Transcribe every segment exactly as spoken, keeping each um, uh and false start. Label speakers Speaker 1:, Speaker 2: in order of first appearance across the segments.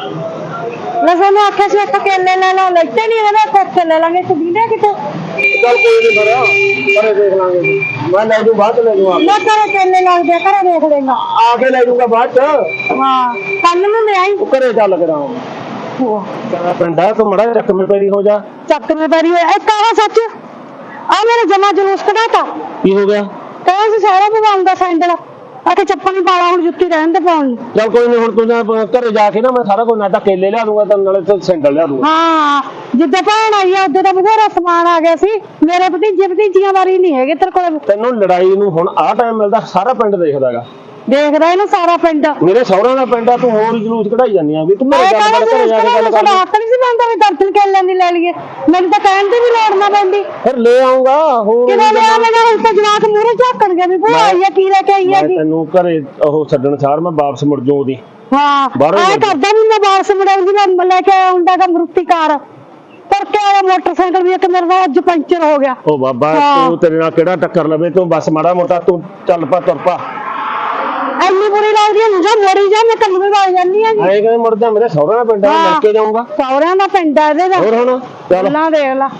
Speaker 1: ਲੈ ਸਾਨੂੰ आखे सी एक केले ले लो लेते नहीं है ना कोठे ले लेंगे तू दीदे किते
Speaker 2: चल कोई नहीं बड़ा करे देख लांगे मैं ले दूं बाद ले दूं आप
Speaker 1: मैं करे केले ला दे करे देख लेगा
Speaker 2: आके ले दूंगा बाद
Speaker 1: हां कल में ले आई
Speaker 2: करे चल लग रहा हूं वो तेरा पिंड है तो मड़ा चक में पैरी हो जा
Speaker 1: चक में पैरी है एक कहा सच आ मेरे जमा जुलूस कढ़ाता
Speaker 2: की हो गया
Speaker 1: कहे से सारा भगवान दा सैंडल आके चप्पल नहीं पाला हुन जुत्ती रहन दे पाउन
Speaker 2: चल कोई नहीं हुन तू घरे जाके ना मैं सारा कुछ ना ता केले ला दूंगा ते नाले ते सैंडल ला दूंगा
Speaker 1: हां जिद्दे भैन आई है उद्दे दा बथेरा समान आ गया सी मेरे भतीजे भतीजियां वारी नहीं हैगे तेरे कोल
Speaker 2: ਤੈਨੂੰ ਲੜਾਈ ਨੂੰ ਹੁਣ ਆ ਟਾਈਮ ਮਿਲਦਾ ਸਾਰਾ ਪਿੰਡ ਦੇਖਦਾਗਾ
Speaker 1: ਦੇਖਦਾ ਇਹਨੂੰ ਸਾਰਾ ਪਿੰਡ
Speaker 2: ਮੇਰੇ ਸਹੁਰਿਆਂ ਦਾ ਪਿੰਡ ਆ ਤੂੰ ਹੋਰ ਜਲੂਸ ਕਢਾਈ ਜਾਂਦੀ ਆ ਵੀ ਤੂੰ ਮੇਰੇ ਗੱਲ ਕਰ ਘਰੇ ਜਾ ਕੇ ਗੱਲ ਕਰ
Speaker 1: ਹੱਕ ਨਹੀਂ ਸੀ ਬੰਦਾ ਵੀ ਦਰਸ਼ਨ ਕਰ ਲੈਂਦੀ ਲੈ ਲਈਏ ਮੈਨੂੰ ਤਾਂ ਕਹਿਣ ਦੀ ਵੀ ਲੋੜ ਨਾ ਪੈਂਦੀ
Speaker 2: ਫਿਰ ਲੈ ਆਉਂਗਾ ਹੋਰ
Speaker 1: ਕਿਵੇਂ ਲੈ ਆਵੇਂਗਾ ਹੁਣ ਤਾਂ ਜਵਾਕ ਮੂਹਰੇ ਝਾਕਣਗੇ ਵੀ ਭੂਆ ਆਈ ਆ ਕੀ ਲੈ ਕੇ ਆਈ ਆ ਜੀ
Speaker 2: ਤੈਨੂੰ ਘਰੇ ਉਹ ਛੱਡਣ ਸਾਰ ਮੈਂ ਵਾਪਸ ਮੁੜ ਜਾਉਂ ਉਹਦੀ
Speaker 1: ਹਾਂ ਐ ਕਰਦਾ ਵੀ ਮੈਂ ਵਾਪਸ ਮੁੜਾਉਂਦੀ ਮੈਂ ਲੈ ਕੇ ਆਉਂਦਾ ਦਾ ਮਰੂਤੀ ਕਾਰ ਪਰ ਕਿਆ ਮੋਟਰਸਾਈਕਲ ਵੀ ਇੱਕ ਮੇਰੇ ਨਾਲ ਅੱਜ ਪੰਚਰ ਹੋ ਗਿਆ
Speaker 2: ਉਹ ਬਾਬਾ ਤੂੰ ਤੇਰੇ ਨਾਲ ਕਿਹੜਾ ਟੱਕਰ ਲਵੇ ਤੂੰ ਬਸ ਮਾੜਾ ਮੋਟਾ ਤੂੰ ਚੱਲ ਪਾ ਤੁਰ ਪਾ
Speaker 1: ਐਨੀ ਬੁਰੀ ਲੱਗਦੀ ਹੈ ਜਾ ਮੋੜੀ ਜਾ ਮੈਂ ਕੰਮ ਵੀ ਵਾਲ ਜਾਂਦੀ ਆ ਜੀ
Speaker 2: ਐਂ ਕਹਿੰਦੇ ਮੁੜ ਜਾ ਮੇਰੇ ਸਹੁਰਿਆਂ ਦਾ ਪਿੰਡ ਆ ਲੈ ਕੇ ਜਾਊਂਗਾ
Speaker 1: ਸਹੁਰਿਆਂ ਦਾ ਪਿੰਡ ਆ ਇਹਦੇ ਦਾ
Speaker 2: ਹੋਰ ਹੁਣ ਚੱਲ
Speaker 1: ਨਾ ਦੇਖ ਲਾ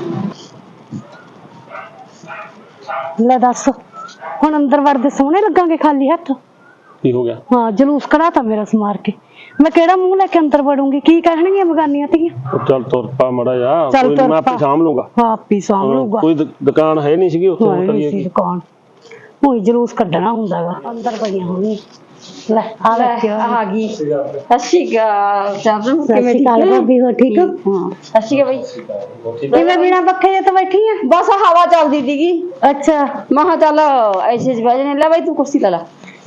Speaker 1: ਲੈ ਦੱਸ ਹੁਣ ਅੰਦਰ ਵੜਦੇ ਸੋਹਣੇ ਲੱਗਾਂਗੇ ਖਾਲੀ ਹੱਥ
Speaker 2: ਕੀ ਹੋ ਗਿਆ
Speaker 1: ਹਾਂ ਜਲੂਸ ਕਢਾਤਾ ਮੇਰਾ ਸਮਾਰ ਕੇ ਮੈਂ ਕਿਹੜਾ ਮੂੰਹ ਲੈ ਕੇ ਅੰਦਰ ਵੜੂੰਗੀ ਕੀ ਕਹਿਣਗੀਆਂ ਬਗਾਨੀਆਂ ਧੀਆਂ
Speaker 2: ਚੱਲ ਤੁਰ ਪਾ ਮੜਾ ਜਾ ਕੋਈ ਨਹੀਂ ਮੈਂ ਆਪੇ ਸਾਂਭ ਲੂੰਗਾ
Speaker 1: ਹਾਂ ਆਪੀ ਸਾਂਭ ਲੂਗਾ
Speaker 2: ਕੋਈ ਦੁਕਾਨ ਹੈ ਨਹੀਂ ਸੀਗੀ ਉੱਥੇ ਕਰੀਏ
Speaker 1: ਕੀ ਦੁਕਾਨ ਕੋਈ ਜਲੂਸ ਕੱਢਣਾ ਹੁੰਦਾਗਾ ਅੰਦਰ ਪਈਆਂ ਹੋਣੀ ਲੈ ਆ ਲੈ ਆ ਗਈ
Speaker 3: ਅਸ਼ੀਗਾ ਚਾਬਨ ਕਿਵੇਂ ਠੀਕ
Speaker 1: ਹੈ ਭਾਬੀ ਹੋ ਠੀਕ ਹੋ
Speaker 3: ਹਾਂ ਅਸ਼ੀਗਾ ਬਈ
Speaker 1: ਕਿਵੇਂ ਬਿਨਾ ਪੱਖੇ ਜੇ ਤਾਂ ਬੈਠੀ ਆ
Speaker 3: ਬਸ ਹਵਾ ਚੱਲਦੀ ਸੀਗੀ
Speaker 1: ਅੱਛਾ
Speaker 3: ਮਹਾ ਚੱਲ ਐਸੇ ਚ ਬੈਜਨੇ ਲੈ ਬਈ ਤੂੰ ਕੁਰਸੀ ਲੈ ਲੈ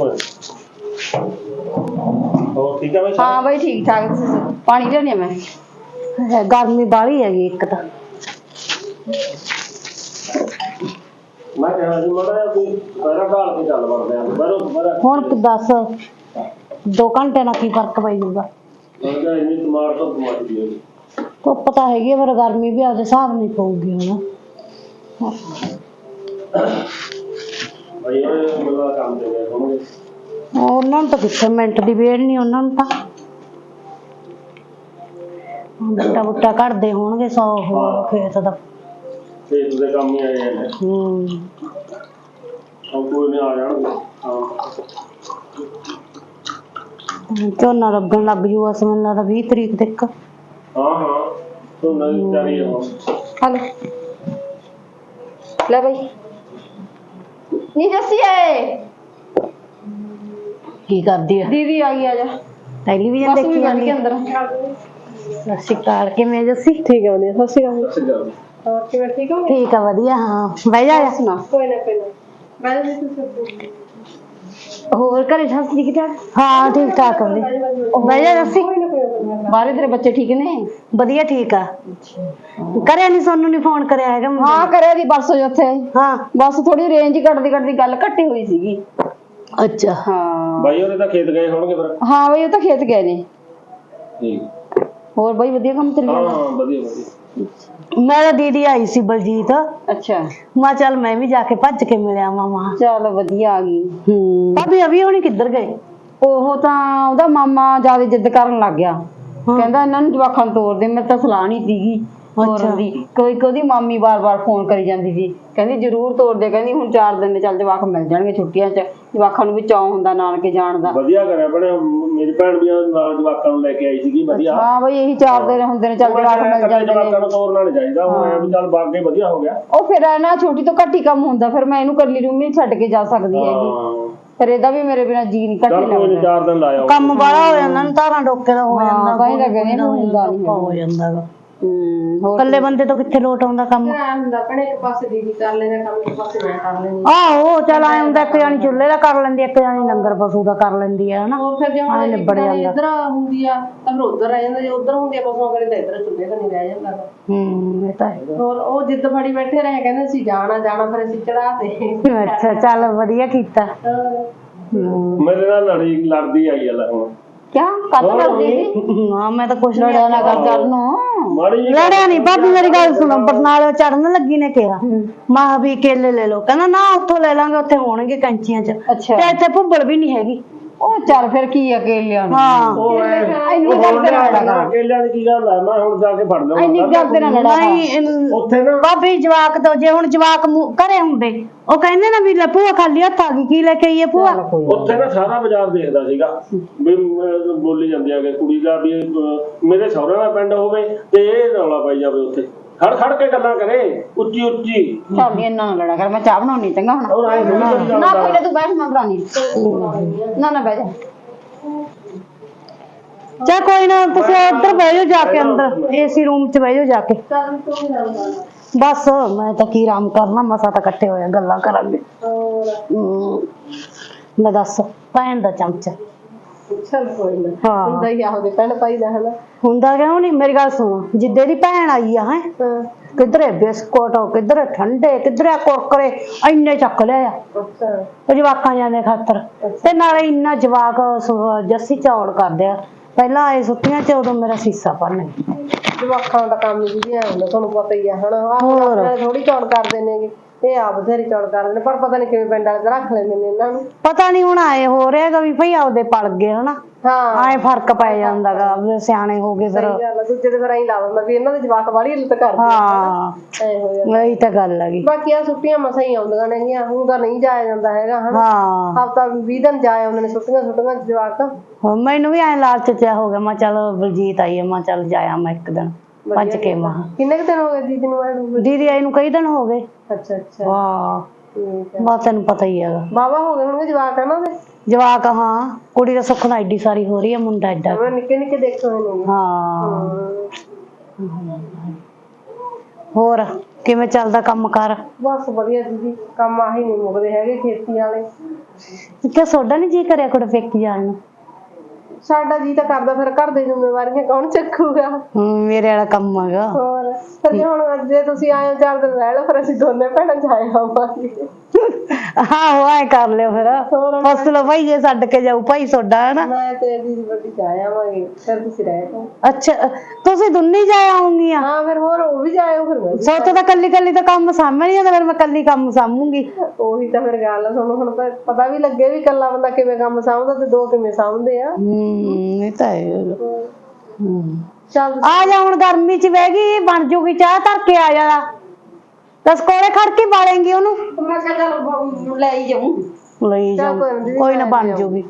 Speaker 2: ਹੋਰ ਠੀਕ ਆ ਬਈ
Speaker 3: ਹਾਂ ਬਈ ਠੀਕ ਠਾਕ ਪਾਣੀ ਲਿਆਉਣੀ ਮੈਂ
Speaker 1: ਗਰਮੀ ਬਾਹਲੀ ਹੈਗੀ ਇੱਕ ਤਾਂ
Speaker 2: ਮੈਂ ਕਹਿਣਾ ਸੀ ਮੜਾ ਕੋਈ ਪੈਰਾ ਢਾਲ ਕੇ ਚੱਲ ਵੜਦੇ ਆ ਬਰੋ ਬਰਾ
Speaker 1: ਹੁਣ ਤੂੰ ਦੱਸ ਦੋ ਘੰਟੇ ਨਾਲ ਕੀ ਫਰਕ ਪੈ ਜਾਊਗਾ
Speaker 2: ਉਹਦਾ ਇੰਨੀ ਤੁਮਾਰ ਤੋਂ ਮੱਚਦੀ ਹੈਗੀ
Speaker 1: ਧੁੱਪ ਤਾਂ ਹੈਗੀ ਪਰ ਗਰਮੀ ਵੀ ਆਪਦੇ ਹਿਸਾਬ ਨਹੀਂ ਪਊਗੀ ਹੁਣ
Speaker 2: ਬਈ ਉਹ ਮੇਰਾ ਕੰਮ ਦੇ ਗਏ ਹੋਣਗੇ
Speaker 1: ਉਹਨਾਂ ਨੂੰ ਤਾਂ ਕਿੱਥੇ ਮਿੰਟ ਦੀ ਵੇੜ ਨਹੀਂ ਉਹਨਾਂ ਨੂੰ ਤਾਂ ਬੁੱਟਾ ਬੁੱਟਾ ਕੱਢਦੇ ਹੋਣਗੇ ਸੌ ਹੋਰ ਖੇਤ ਦਾ
Speaker 2: ਖੇਤ ਦੇ ਕੰਮ ਹੀ ਆਏ ਨੇ
Speaker 1: ਹੂੰ
Speaker 2: ਉਹ ਕੋਈ ਨਹੀਂ ਆ ਜਾਣਗੇ ਹਾਂ
Speaker 1: ਝੋਨਾ ਲੱਗਣ ਲੱਗ ਜੂ ਅਸ ਮੈਨੂੰ ਲੱਗਦਾ ਵੀਹ ਤਰੀਕ ਤੱਕ
Speaker 2: ਹਾਂ ਹਾਂ ਤੂੰ ਨਹੀਂ ਚਾਰੀ ਹੋ
Speaker 3: ਹਲ ਲੈ ਬਈ ਨੀ ਜੱਸੀ ਆਏ
Speaker 1: ਕੀ ਕਰਦੀ ਆ
Speaker 3: ਦੀਦੀ ਆ ਗਈ ਆ ਜਾ
Speaker 1: ਟੈਲੀਵਿਜ਼ਨ
Speaker 3: ਬਸ ਵੀ
Speaker 1: ਦੇਖੀ
Speaker 3: ਬਣ
Speaker 1: ਜਾਂਦੀ
Speaker 3: ਕੇ ਅੰਦਰ
Speaker 1: ਸਤਿ ਸ਼੍ਰੀ ਅਕਾਲ ਕਿਵੇਂ ਜੱਸੀ
Speaker 3: ਠੀਕ ਹੈ ਵਧੀਆ ਸਤਿ ਸ਼੍ਰੀ ਅਕਾਲ
Speaker 2: ਸੱਜਾ
Speaker 3: ਹੋਰ ਕਿਵੇਂ ਠੀਕ ਹੋ
Speaker 1: ਠੀਕ ਆ ਵਧੀਆ ਹਾਂ ਬਹਿ ਜਾ
Speaker 3: ਸੁਣਾ ਕੋਈ ਨਾ ਕੋਈ ਨਾ ਮੈਂ ਵੀ ਤੁਸੀਂ
Speaker 1: ਹੋਰ ਘਰੇ ਸਭ ਠੀਕ ਠਾਕ ਹਾਂ ਠੀਕ ਠਾਕ ਹੁੰਦੇ ਬਹਿ ਜਾ ਜੱਸੀ
Speaker 3: ਬਾਰੇ ਤੇਰੇ ਬੱਚੇ ਠੀਕ ਨੇ
Speaker 1: ਵਧੀਆ ਠੀਕ ਆ ਕਰਿਆ ਨਹੀਂ ਸੋਨੂੰ ਨਹੀਂ ਫੋਨ ਕਰਿਆ ਹੈਗਾ ਮੁੰਡੇ
Speaker 3: ਹਾਂ ਕਰਿਆ ਦੀ ਪਰਸੋਂ ਉੱਥੇ
Speaker 1: ਹਾਂ
Speaker 3: ਬਸ ਥੋੜੀ ਰੇਂਜ ਹੀ ਕੱਟਦੀ ਕੱਟਦੀ ਗੱਲ ਘੱਟੀ ਹੋਈ ਸੀਗੀ
Speaker 1: ਅੱਛਾ
Speaker 3: ਹਾਂ
Speaker 2: ਬਾਈ ਉਹਨੇ ਤਾਂ ਖੇਤ ਗਏ ਹੋਣਗੇ ਫਿਰ
Speaker 3: ਹਾਂ ਬਈ ਉਹ ਤਾਂ ਖੇਤ ਗਏ ਨੇ
Speaker 2: ਠੀਕ
Speaker 3: ਹੋਰ ਬਈ ਵਧੀਆ ਕੰਮ ਚੱਲੀ
Speaker 2: ਹਾਂ
Speaker 3: ਜਾਂਦਾ
Speaker 2: ਹਾਂ ਵਧੀਆ ਵਧੀਆ
Speaker 1: ਮੇਰਾ ਦੀਦੀ ਆਈ ਸੀ ਬਲਜੀਤ
Speaker 3: ਅੱਛਾ
Speaker 1: ਮੈਂ ਚੱਲ ਮੈਂ ਵੀ ਜਾ ਕੇ ਭੱਜ ਕੇ ਮਿਲਿਆ ਮਾਮਾ
Speaker 3: ਚੱਲ ਵਧੀਆ ਆ ਗਈ
Speaker 1: ਹੂੰ ਭਾਬੀ ਅਭੀ ਹੋਣੀ ਕਿੱਧਰ ਗਏ
Speaker 3: ਉਹ ਤਾਂ ਉਹਦਾ ਮਾਮਾ ਜਿਆਦਾ ਜਿੱਦ ਕਰਨ ਲੱਗ ਗਿਆ ਕਹਿੰਦਾ ਇਹਨਾਂ ਨੂੰ ਜਵਾਖਾਂ ਨੂੰ ਤੋਰ ਦੇ ਮੇਰੇ ਤਾਂ ਸਲਾਹ ਨਹੀਂ ਸੀਗੀ ਤੋਰਨ ਦੀ ਕੋਈ ਉਹਦੀ ਮਾਮੀ ਬਾਰ-ਬਾਰ ਫੋਨ ਕਰੀ ਜਾਂਦੀ ਸੀ ਕਹਿੰਦੀ ਜ਼ਰੂਰ ਤੋਰ ਦੇ ਕਹਿੰਦੀ ਹੁਣ ਚਾਰ ਦਿਨ ਦੇ ਚੱਲ ਜਵਾਖ ਮਿਲ ਜਾਣਗੇ ਛੁੱਟੀਆਂ 'ਚ ਜਵਾਖਾਂ ਨੂੰ ਵੀ ਚਾਅ ਹੁੰਦਾ ਨਾਨਕੇ ਜਾਣ ਦਾ
Speaker 2: ਵਧੀਆ ਕਰਿਆ ਬਣੇ ਮੇਰੀ ਭੈਣ ਵੀ ਨਾਲ ਜਵਾਕਾਂ ਨੂੰ ਲੈ ਕੇ ਆਈ ਸੀਗੀ ਵਧੀਆ
Speaker 3: ਹਾਂ ਬਈ ਇਹੀ ਚਾਰ ਦਿਨ ਹੁੰਦੇ ਨੇ ਚੱਲ ਜਵਾਖ ਮਿਲ ਜਾਂਦੇ ਨੇ
Speaker 2: ਜਵਾਕਾਂ ਨੂੰ ਤੋਰਨਾ ਨਹੀਂ ਚਾਹੀਦਾ ਹੁਣ ਐ ਵੀ ਚੱਲ ਬਾਗੇ ਵਧੀਆ ਹੋ ਗਿਆ
Speaker 3: ਉਹ ਫਿਰ ਨਾ ਛੋਟੀ ਤੋਂ ਘੱਟ ਹੀ ਕੰਮ ਹੁੰਦਾ ਫਿਰ ਮੈਂ ਇਹਨੂੰ ਕੱਲੀ ਰੂਮ ਨਹੀਂ ਛੱਡ ਕੇ ਜਾ ਸਕਦੀ ਹੈਗੀ ਫਿਰ ਇਹਦਾ ਵੀ ਮੇਰੇ ਬਿਨਾ ਜੀ ਨਹੀਂ ਘੱਟ ਲੱਗਦਾ
Speaker 2: ਚਾਰ ਦਿਨ ਲਾਇਆ
Speaker 1: ਕੰਮ ਬਾਹਲਾ ਹੋ ਜਾਂਦਾ ਨਾ ਧਾਰਾਂ ਡੋਕੇ ਦਾ ਹੋ ਜਾਂਦਾ
Speaker 3: ਕਹੀਂ ਲੱਗੇ ਨੇ ਹੁੰਦਾ ਨਹੀਂ
Speaker 1: ਹੋ ਜਾਂਦਾਗਾ
Speaker 3: ਹੂੰ ਹੋਰ
Speaker 1: ਇਕੱਲੇ ਬੰਦੇ ਤੋਂ ਕਿੱਥੇ ਲੋਟ ਆਉਂਦਾ ਕੰਮ
Speaker 3: ਹੁੰਦਾ ਭਣੇ ਇੱਕ ਪਾਸੇ ਦੀਦੀ ਕਰ ਲੈਣਾ ਕੰਮ ਇੱਕ ਪਾਸੇ ਮੈਂ ਕਰ ਲੈਂਦੀ
Speaker 1: ਆਹੋ ਚੱਲ ਆਏ ਹੁੰਦਾ ਇੱਕ ਜਾਨੀ ਚੁੱਲ੍ਹੇ ਦਾ ਕਰ ਲੈਂਦੀ ਇੱਕ ਜਾਨੀ ਲੰਗਰ ਪਸ਼ੂ ਦਾ ਕਰ ਲੈਂਦੀ ਆ ਹਨਾ
Speaker 3: ਹੋਰ ਫਿਰ ਜੇ ਹੁਣ
Speaker 1: ਨਿਬੜ ਜਾਂਦਾ
Speaker 3: ਇੱਧਰ ਹੁੰਦੀ ਆ ਤਾਂ ਫਿਰ ਉੱਧਰ ਰਹਿ ਜਾਂਦਾ ਜੇ ਉੱਧਰ ਹੁੰਦੀ ਆ ਪਸ਼ੂਆਂ ਕਰੇ ਤਾਂ ਇੱਧਰ ਚੁੱਲ੍ਹੇ ਤਾਂ ਨਹੀਂ ਰਹਿ ਜਾਂਦਾ
Speaker 1: ਹੂੰ ਇਹ ਤਾਂ ਹੈ
Speaker 3: ਹੋਰ ਉਹ ਜਿੱਦ ਫੜੀ ਬੈਠੇ ਰਹੇ ਕਹਿੰਦੇ ਅਸੀਂ ਜਾਣਾ ਜਾਣਾ ਫਿਰ ਅਸੀਂ ਚੜਾ ਤੇ
Speaker 1: ਅੱਛਾ ਚੱਲ ਵਧੀਆ ਕੀਤਾ
Speaker 2: ਮੇਰੇ ਨਾਲ ਲੜੀ ਲੜਦੀ ਆਈ ਆ ਲੈ ਹੁਣ
Speaker 3: ਕਿਆ ਕੱਟ ਕਰਦੀ ਸੀ
Speaker 1: ਹਾਂ ਮੈਂ ਤਾਂ ਕੁਛ
Speaker 3: ਲੜਿਆ ਨਾ ਕਰ ਕਰ ਨੂੰ
Speaker 2: ਮਾੜੀ ਜਿਹੀ
Speaker 1: ਲੜਿਆ ਨਹੀਂ ਭਾਬੀ ਮੇਰੀ ਗੱਲ ਸੁਣੋ ਬਰਨਾਲੇ ਚੜਨ ਲੱਗੀ ਨੇ ਕਿਹਾ ਮਾਂ ਵੀ ਕੇਲੇ ਲੈ ਲਓ ਕਹਿੰਦਾ ਨਾ ਉੱਥੋਂ ਲੈ ਲਾਂਗੇ ਉੱਥੇ ਹੋਣਗੇ ਕੰਚੀਆਂ ਚ
Speaker 3: ਅੱਛਾ
Speaker 1: ਤੇ ਇੱਥੇ ਭੁੱਬਲ ਵੀ ਨਹੀਂ ਹੈਗੀ
Speaker 3: ਉਹ ਚੱਲ ਫਿਰ ਕੀ ਅਕੇਲਿਆਂ ਨੂੰ
Speaker 1: ਹਾਂ
Speaker 2: ਉਹ ਐ
Speaker 3: ਇੰਨੀ ਗੱਲ ਤੇ ਨਾ ਲੜਾ
Speaker 2: ਅਕੇਲਿਆਂ ਦੀ ਕੀ ਗੱਲ ਆ ਮੈਂ ਹੁਣ ਜਾ ਕੇ ਫੜ ਲਵਾਂ
Speaker 3: ਇੰਨੀ ਗੱਲ ਤੇ ਨਾ ਲੜਾ
Speaker 1: ਨਹੀਂ ਇਹਨੂੰ-
Speaker 2: ਉੱਥੇ ਨਾ
Speaker 1: ਭਾਬੀ ਜਵਾਕ ਤੋਂ ਜੇ ਹੁਣ ਜਵਾਕ ਮੂੰਹ- ਘਰੇ ਹੁੰਦੇ ਉਹ ਕਹਿੰਦੇ ਨਾ ਵੀ ਲੈ ਭੂਆ ਖਾਲੀ ਹੱਥ ਆ ਗਈ ਕੀ ਲੈ ਕੇ ਆਈਏ ਭੂਆ
Speaker 2: ਉੱਥੇ ਨਾ ਸਾਰਾ ਬਾਜ਼ਾਰ ਦੇਖਦਾ ਸੀਗਾ ਵੀ ਅਹ, ਬੋਲੀ ਜਾਂਦੀ ਆ ਕਿ ਕੁੜੀ ਦਾ ਵੀ ਅਹ, ਮੇਰੇ ਸਹੁਰੇ ਦਾ ਪਿੰਡ ਹੋਵੇ ਤੇ ਇਹ ਰੌਲਾ ਪਾਈ ਜਾਵੇ ਉੱਥੇ ਖੜ ਖੜ ਕੇ ਗੱਲਾਂ ਕਰੇ ਉੱਚੀ ਉੱਚੀ
Speaker 3: ਚੱਲ ਇਹਨਾਂ ਨਾਲ ਲੜਾ ਕਰ ਮੈਂ ਚਾਹ ਬਣਾਉਣੀ ਚੰਗਾ ਹੁਣ
Speaker 2: ਔਰ ਆਏ ਥੋੜੀ ਕਰੀ
Speaker 3: ਨਾ
Speaker 2: ਜਾਂਦਾ
Speaker 3: ਕੋਈ ਨਾ ਤੂੰ ਬੈਠ ਮੈਂ ਬਣਾਉਣੀ ਨਾ ਨਾ ਬਹਿ ਜਾ
Speaker 1: ਚਾ ਕੋਈ ਨਾ ਤੁਸੀਂ ਉੱਧਰ ਬਹਿ ਜਾਓ ਜਾ ਕੇ ਅੰਦਰ ਏਸੀ ਰੂਮ 'ਚ ਬਹਿ ਜਾਓ ਜਾ ਕੇ ਬਸ ਮੈਂ ਤਾਂ ਕੀ ਆਰਾਮ ਕਰਨਾ ਮਸਾ ਤਾਂ ਇਕੱਠੇ ਹੋਇਆ ਗੱਲਾਂ ਕਰਾਂਗੇ ਹਮ, ਮੈਂ ਦੱਸ ਭੈਣ ਦਾ ਚਮਚਾ
Speaker 3: ਚੱਲ ਕੋਈ ਨਾ
Speaker 1: ਹਾਂ
Speaker 3: ਹੁੰਦਾ ਹੀ ਆਹੋ ਦੇ ਭੈਣ ਭਾਈ ਦਾ ਹਨਾ
Speaker 1: ਹੁੰਦਾ ਕਿਉਂ ਨਹੀਂ ਮੇਰੀ ਗੱਲ ਸੁਣ ਜਿੱਦੇ ਦੀ ਭੈਣ ਆਈ ਆ ਹੈ ਕਿਧਰੇ ਬਿਸਕੁਟ ਕਿਧਰੇ ਠੰਡੇ ਕਿਧਰੇ ਕੁਰਕਰੇ ਇੰਨੇ ਚੱਕ ਲਿਆ ਆ
Speaker 3: ਅੱਛਾ
Speaker 1: ਉਹ ਜਵਾਕਾਂ ਜਾਂਦੇ ਖਾਤਰ ਤੇ ਨਾਲੇ ਇੰਨਾ ਜਵਾਕ ਸ- ਜੱਸੀ ਚੌੜ ਕਰਦੇ ਆ ਪਹਿਲਾਂ ਆਏ ਛੁੱਟੀਆਂ 'ਚ ਉਦੋਂ ਮੇਰਾ ਸੀਸਾ ਭੰਨ
Speaker 3: ਜਵਾਕਾਂ ਦਾ ਕੰਮ ਜੀ ਐ ਹੁੰਦਾ ਤੁਹਾਨੂੰ ਪਤਾ ਹੀ ਆ ਹਨਾ
Speaker 1: ਹੋਰ।
Speaker 3: ਆਹ ਥੋੜੀ ਚੌੜ ਕਰਦੇ ਨੇਗੇ ਇਹ ਆਪ ਬਥੇਰੀ ਚੌੜ ਕਰਦੇ ਨੇ ਪਰ ਪਤਾ ਨਹੀਂ ਕਿਵੇਂ ਪਿੰਡ ਵਾਲੇ ਰੱਖ ਲੈਂਦੇ ਨੇ ਇਹਨਾਂ ਨੂੰ
Speaker 1: ਪਤਾ ਨਹੀਂ ਹੁਣ ਆਏ ਹੋ ਰਿਹਾਗਾ ਵੀ ਭਈ ਆਪਦੇ ਪਲ ਗਏ ਹਨਾ
Speaker 3: ਹਾਂ
Speaker 1: ਆਏ ਫਰਕ ਪੈ ਜਾਂਦਾਗਾ ਵੀ ਸਿਆਣੇ ਹੋ ਗਏ ਫਿਰ
Speaker 3: ਸਹੀ ਗੱਲ ਆ ਦੂਜੇ ਦੇ ਫਿਰ ਐਂ ਲਾ ਦਿੰਦਾ ਵੀ ਇਹਨਾਂ ਦੇ ਜਵਾਕ ਵਾਲੀ ਇੱਜ਼ਤ ਕਰਦੇ
Speaker 1: ਹਾਂ
Speaker 3: ਐ ਹੋ ਜਾਂਦਾ
Speaker 1: ਇਹੀ ਤਾਂ ਗੱਲ ਹੈਗੀ
Speaker 3: ਬਾਕੀ ਆ ਛੁੱਟੀਆਂ ਮਸਾਂ ਹੀ ਆਉਂਦੀਆਂ ਨੇਗੀਆਂ ਹੁਣ ਤਾਂ ਨਹੀਂ ਜਾਇਆ ਜਾਂਦਾ ਹੈਗਾ ਹਨਾ
Speaker 1: ਹਾਂ
Speaker 3: ਹਫਤਾ ਵੀਹ ਦਿਨ ਜਾਏ ਆਉਂਦੇ ਨੇ ਛੁੱਟੀਆਂ ਛੁੱਟੀਆਂ ਚ ਜਵਾਕ
Speaker 1: ਹੁਣ ਮੈਨੂੰ ਵੀ ਐ ਲਾਲਚ ਚ ਹੋ ਗਿਆ ਮੈਂ ਚੱਲ ਬਲਜੀਤ ਆਈ ਆ ਮੈਂ ਚੱਲ ਜਾਇਆ ਮੈਂ ਇੱਕ ਦਿਨ ਭੱਜ ਕੇ ਮਾਂ
Speaker 3: ਕਿੰਨੇ ਕੁ ਦਿਨ ਹੋ ਗਏ ਦੀਦੀ ਨੂੰ ਆਏ ਨੂੰ?
Speaker 1: ਦੀਦੀ ਆਈ ਨੂੰ ਕਈ ਦਿਨ ਹੋ ਗਏ
Speaker 3: ਅੱਛਾ ਅੱਛਾ
Speaker 1: ਵਾਹ
Speaker 3: ਠੀਕ ਹੈ
Speaker 1: ਬਸ ਤੈਨੂੰ ਪਤਾ ਹੀ ਹੈਗਾ
Speaker 3: ਬਾਬਾ ਹੋ ਗਏ ਹੋਣਗੇ ਜਵਾਕ ਇਹਨਾਂ ਦੇ
Speaker 1: ਜਵਾਕ ਹਾਂ ਕੁੜੀ ਦਾ ਸੁੱਖ ਨਾਲ ਐਡੀ ਸਾਰੀ ਹੋ ਰਹੀ ਹੈ ਮੁੰਡਾ ਐਡਾ
Speaker 3: ਮੈਂ ਨਿੱਕੇ ਨਿੱਕੇ ਦੇਖੇ ਹੋਏ ਨੇ
Speaker 1: ਹਾਂ
Speaker 3: ਹਾਂ
Speaker 1: ਹੋਰ ਕਿਵੇਂ ਚੱਲਦਾ ਕੰਮ ਕਰ
Speaker 3: ਬਸ ਵਧੀਆ ਦੀਦੀ ਕੰਮ ਆਹੀ ਨਹੀਂ ਮੁੱਕਦੇ ਹੈਗੇ ਖੇਤੀ ਵਾਲੇ
Speaker 1: ਕਿ ਸੋਡਾ ਨਹੀਂ ਜੀ ਕਰਿਆ ਕੁੜੇ ਫੇਕੀ ਜਾਣ ਨੂੰ
Speaker 3: ਸਾਡਾ ਜੀ ਤਾਂ ਕਰਦਾ ਫਿਰ ਘਰ ਦੇ ਜ਼ਿੰਮੇਵਾਰੀਆਂ ਕੌਣ ਚੱਕੂਗਾ
Speaker 1: ਹੂੰ ਮੇਰੇ ਵਾਲਾ ਕੰਮ ਹੈਗਾ
Speaker 3: ਹੋਰ ਫਿਰ ਜੇ ਹੁਣ ਜੇ ਤੁਸੀਂ ਆਏ ਹੋ ਚਾਰ ਦਿਨ ਰਹਿ ਲਓ ਫਿਰ ਅਸੀਂ ਦੋਨੇ ਭੈਣਾਂ ਜਾਏ ਆਵਾਂਗੇ
Speaker 1: ਆਹੋ ਐ ਕਰ ਲਿਓ ਫਿਰ
Speaker 3: ਹੋਰ
Speaker 1: ਫਸ ਲਓ ਭਾਈ ਜੇ ਛੱਡ ਕੇ ਜਾਊ ਭਾਈ ਸੋਡਾ ਹੈ ਨਾ
Speaker 3: ਮੈਂ ਤੇ ਦੀਦੀ ਵੱਡੀ ਜਾਏ ਆਵਾਂਗੇ ਫਿਰ ਤੁਸੀਂ ਰਹਿ ਜਾਓ
Speaker 1: ਅੱਛਾ ਤੁਸੀਂ ਦੁੰਨੀ ਜਾ ਆਉਂਗੀਆਂ
Speaker 3: ਹਾਂ ਫਿਰ ਹੋਰ ਉਹ ਵੀ ਜਾਇਓ ਫਿਰ ਮੈਂ ਵੀ।
Speaker 1: ਸੋਤੋਂ ਤਾਂ ਕੱਲੀ ਕੱਲੀ ਤਾਂ ਕੰਮ ਸਾਂਭ ਨਹੀਂ ਜਾਂਦਾ ਫਿਰ ਮੈਂ ਕੱਲੀ ਕੰਮ ਸਾਂਭੂਗੀ
Speaker 3: ਉਹੀ ਤਾਂ ਫਿਰ ਗੱਲ ਆ ਤੁਹਾਨੂੰ ਹੁਣ ਪ- ਪਤਾ ਵੀ ਲੱਗੇ ਵੀ ਇਕੱਲਾ ਬੰਦਾ ਕਿਵੇਂ ਕੰਮ ਸਾਂਭਦਾ ਤੇ ਦੋ ਕਿਵੇਂ ਸਾਂਭਦੇ ਆ
Speaker 1: ਹੂੰ ਇਹ ਤਾਂ ਹੈ ਹੂੰ
Speaker 3: ਚੱਲ
Speaker 1: ਆ ਜਾ ਹੁਣ ਗਰਮੀ ਚ ਬਹਿ ਗਈ ਬਣ ਜੂਗੀ ਚਾਹ ਧਰ ਕੇ ਆ ਜਾ ਦਸ ਕੋਲੇ ਖੜ ਕੇ ਬਾਲੇਂਗੀ ਉਹਨੂੰ
Speaker 3: ਮੈਂ ਕਿਹਾ ਚੱਲ ਲੈ ਹੀ ਜਾਊਂ
Speaker 1: ਲਈ ਜਾ
Speaker 3: ਚੱਲ ਕੋਈ ਨੀ,
Speaker 1: ਕੋਈ ਨਾ ਬਣ ਜੂਗੀ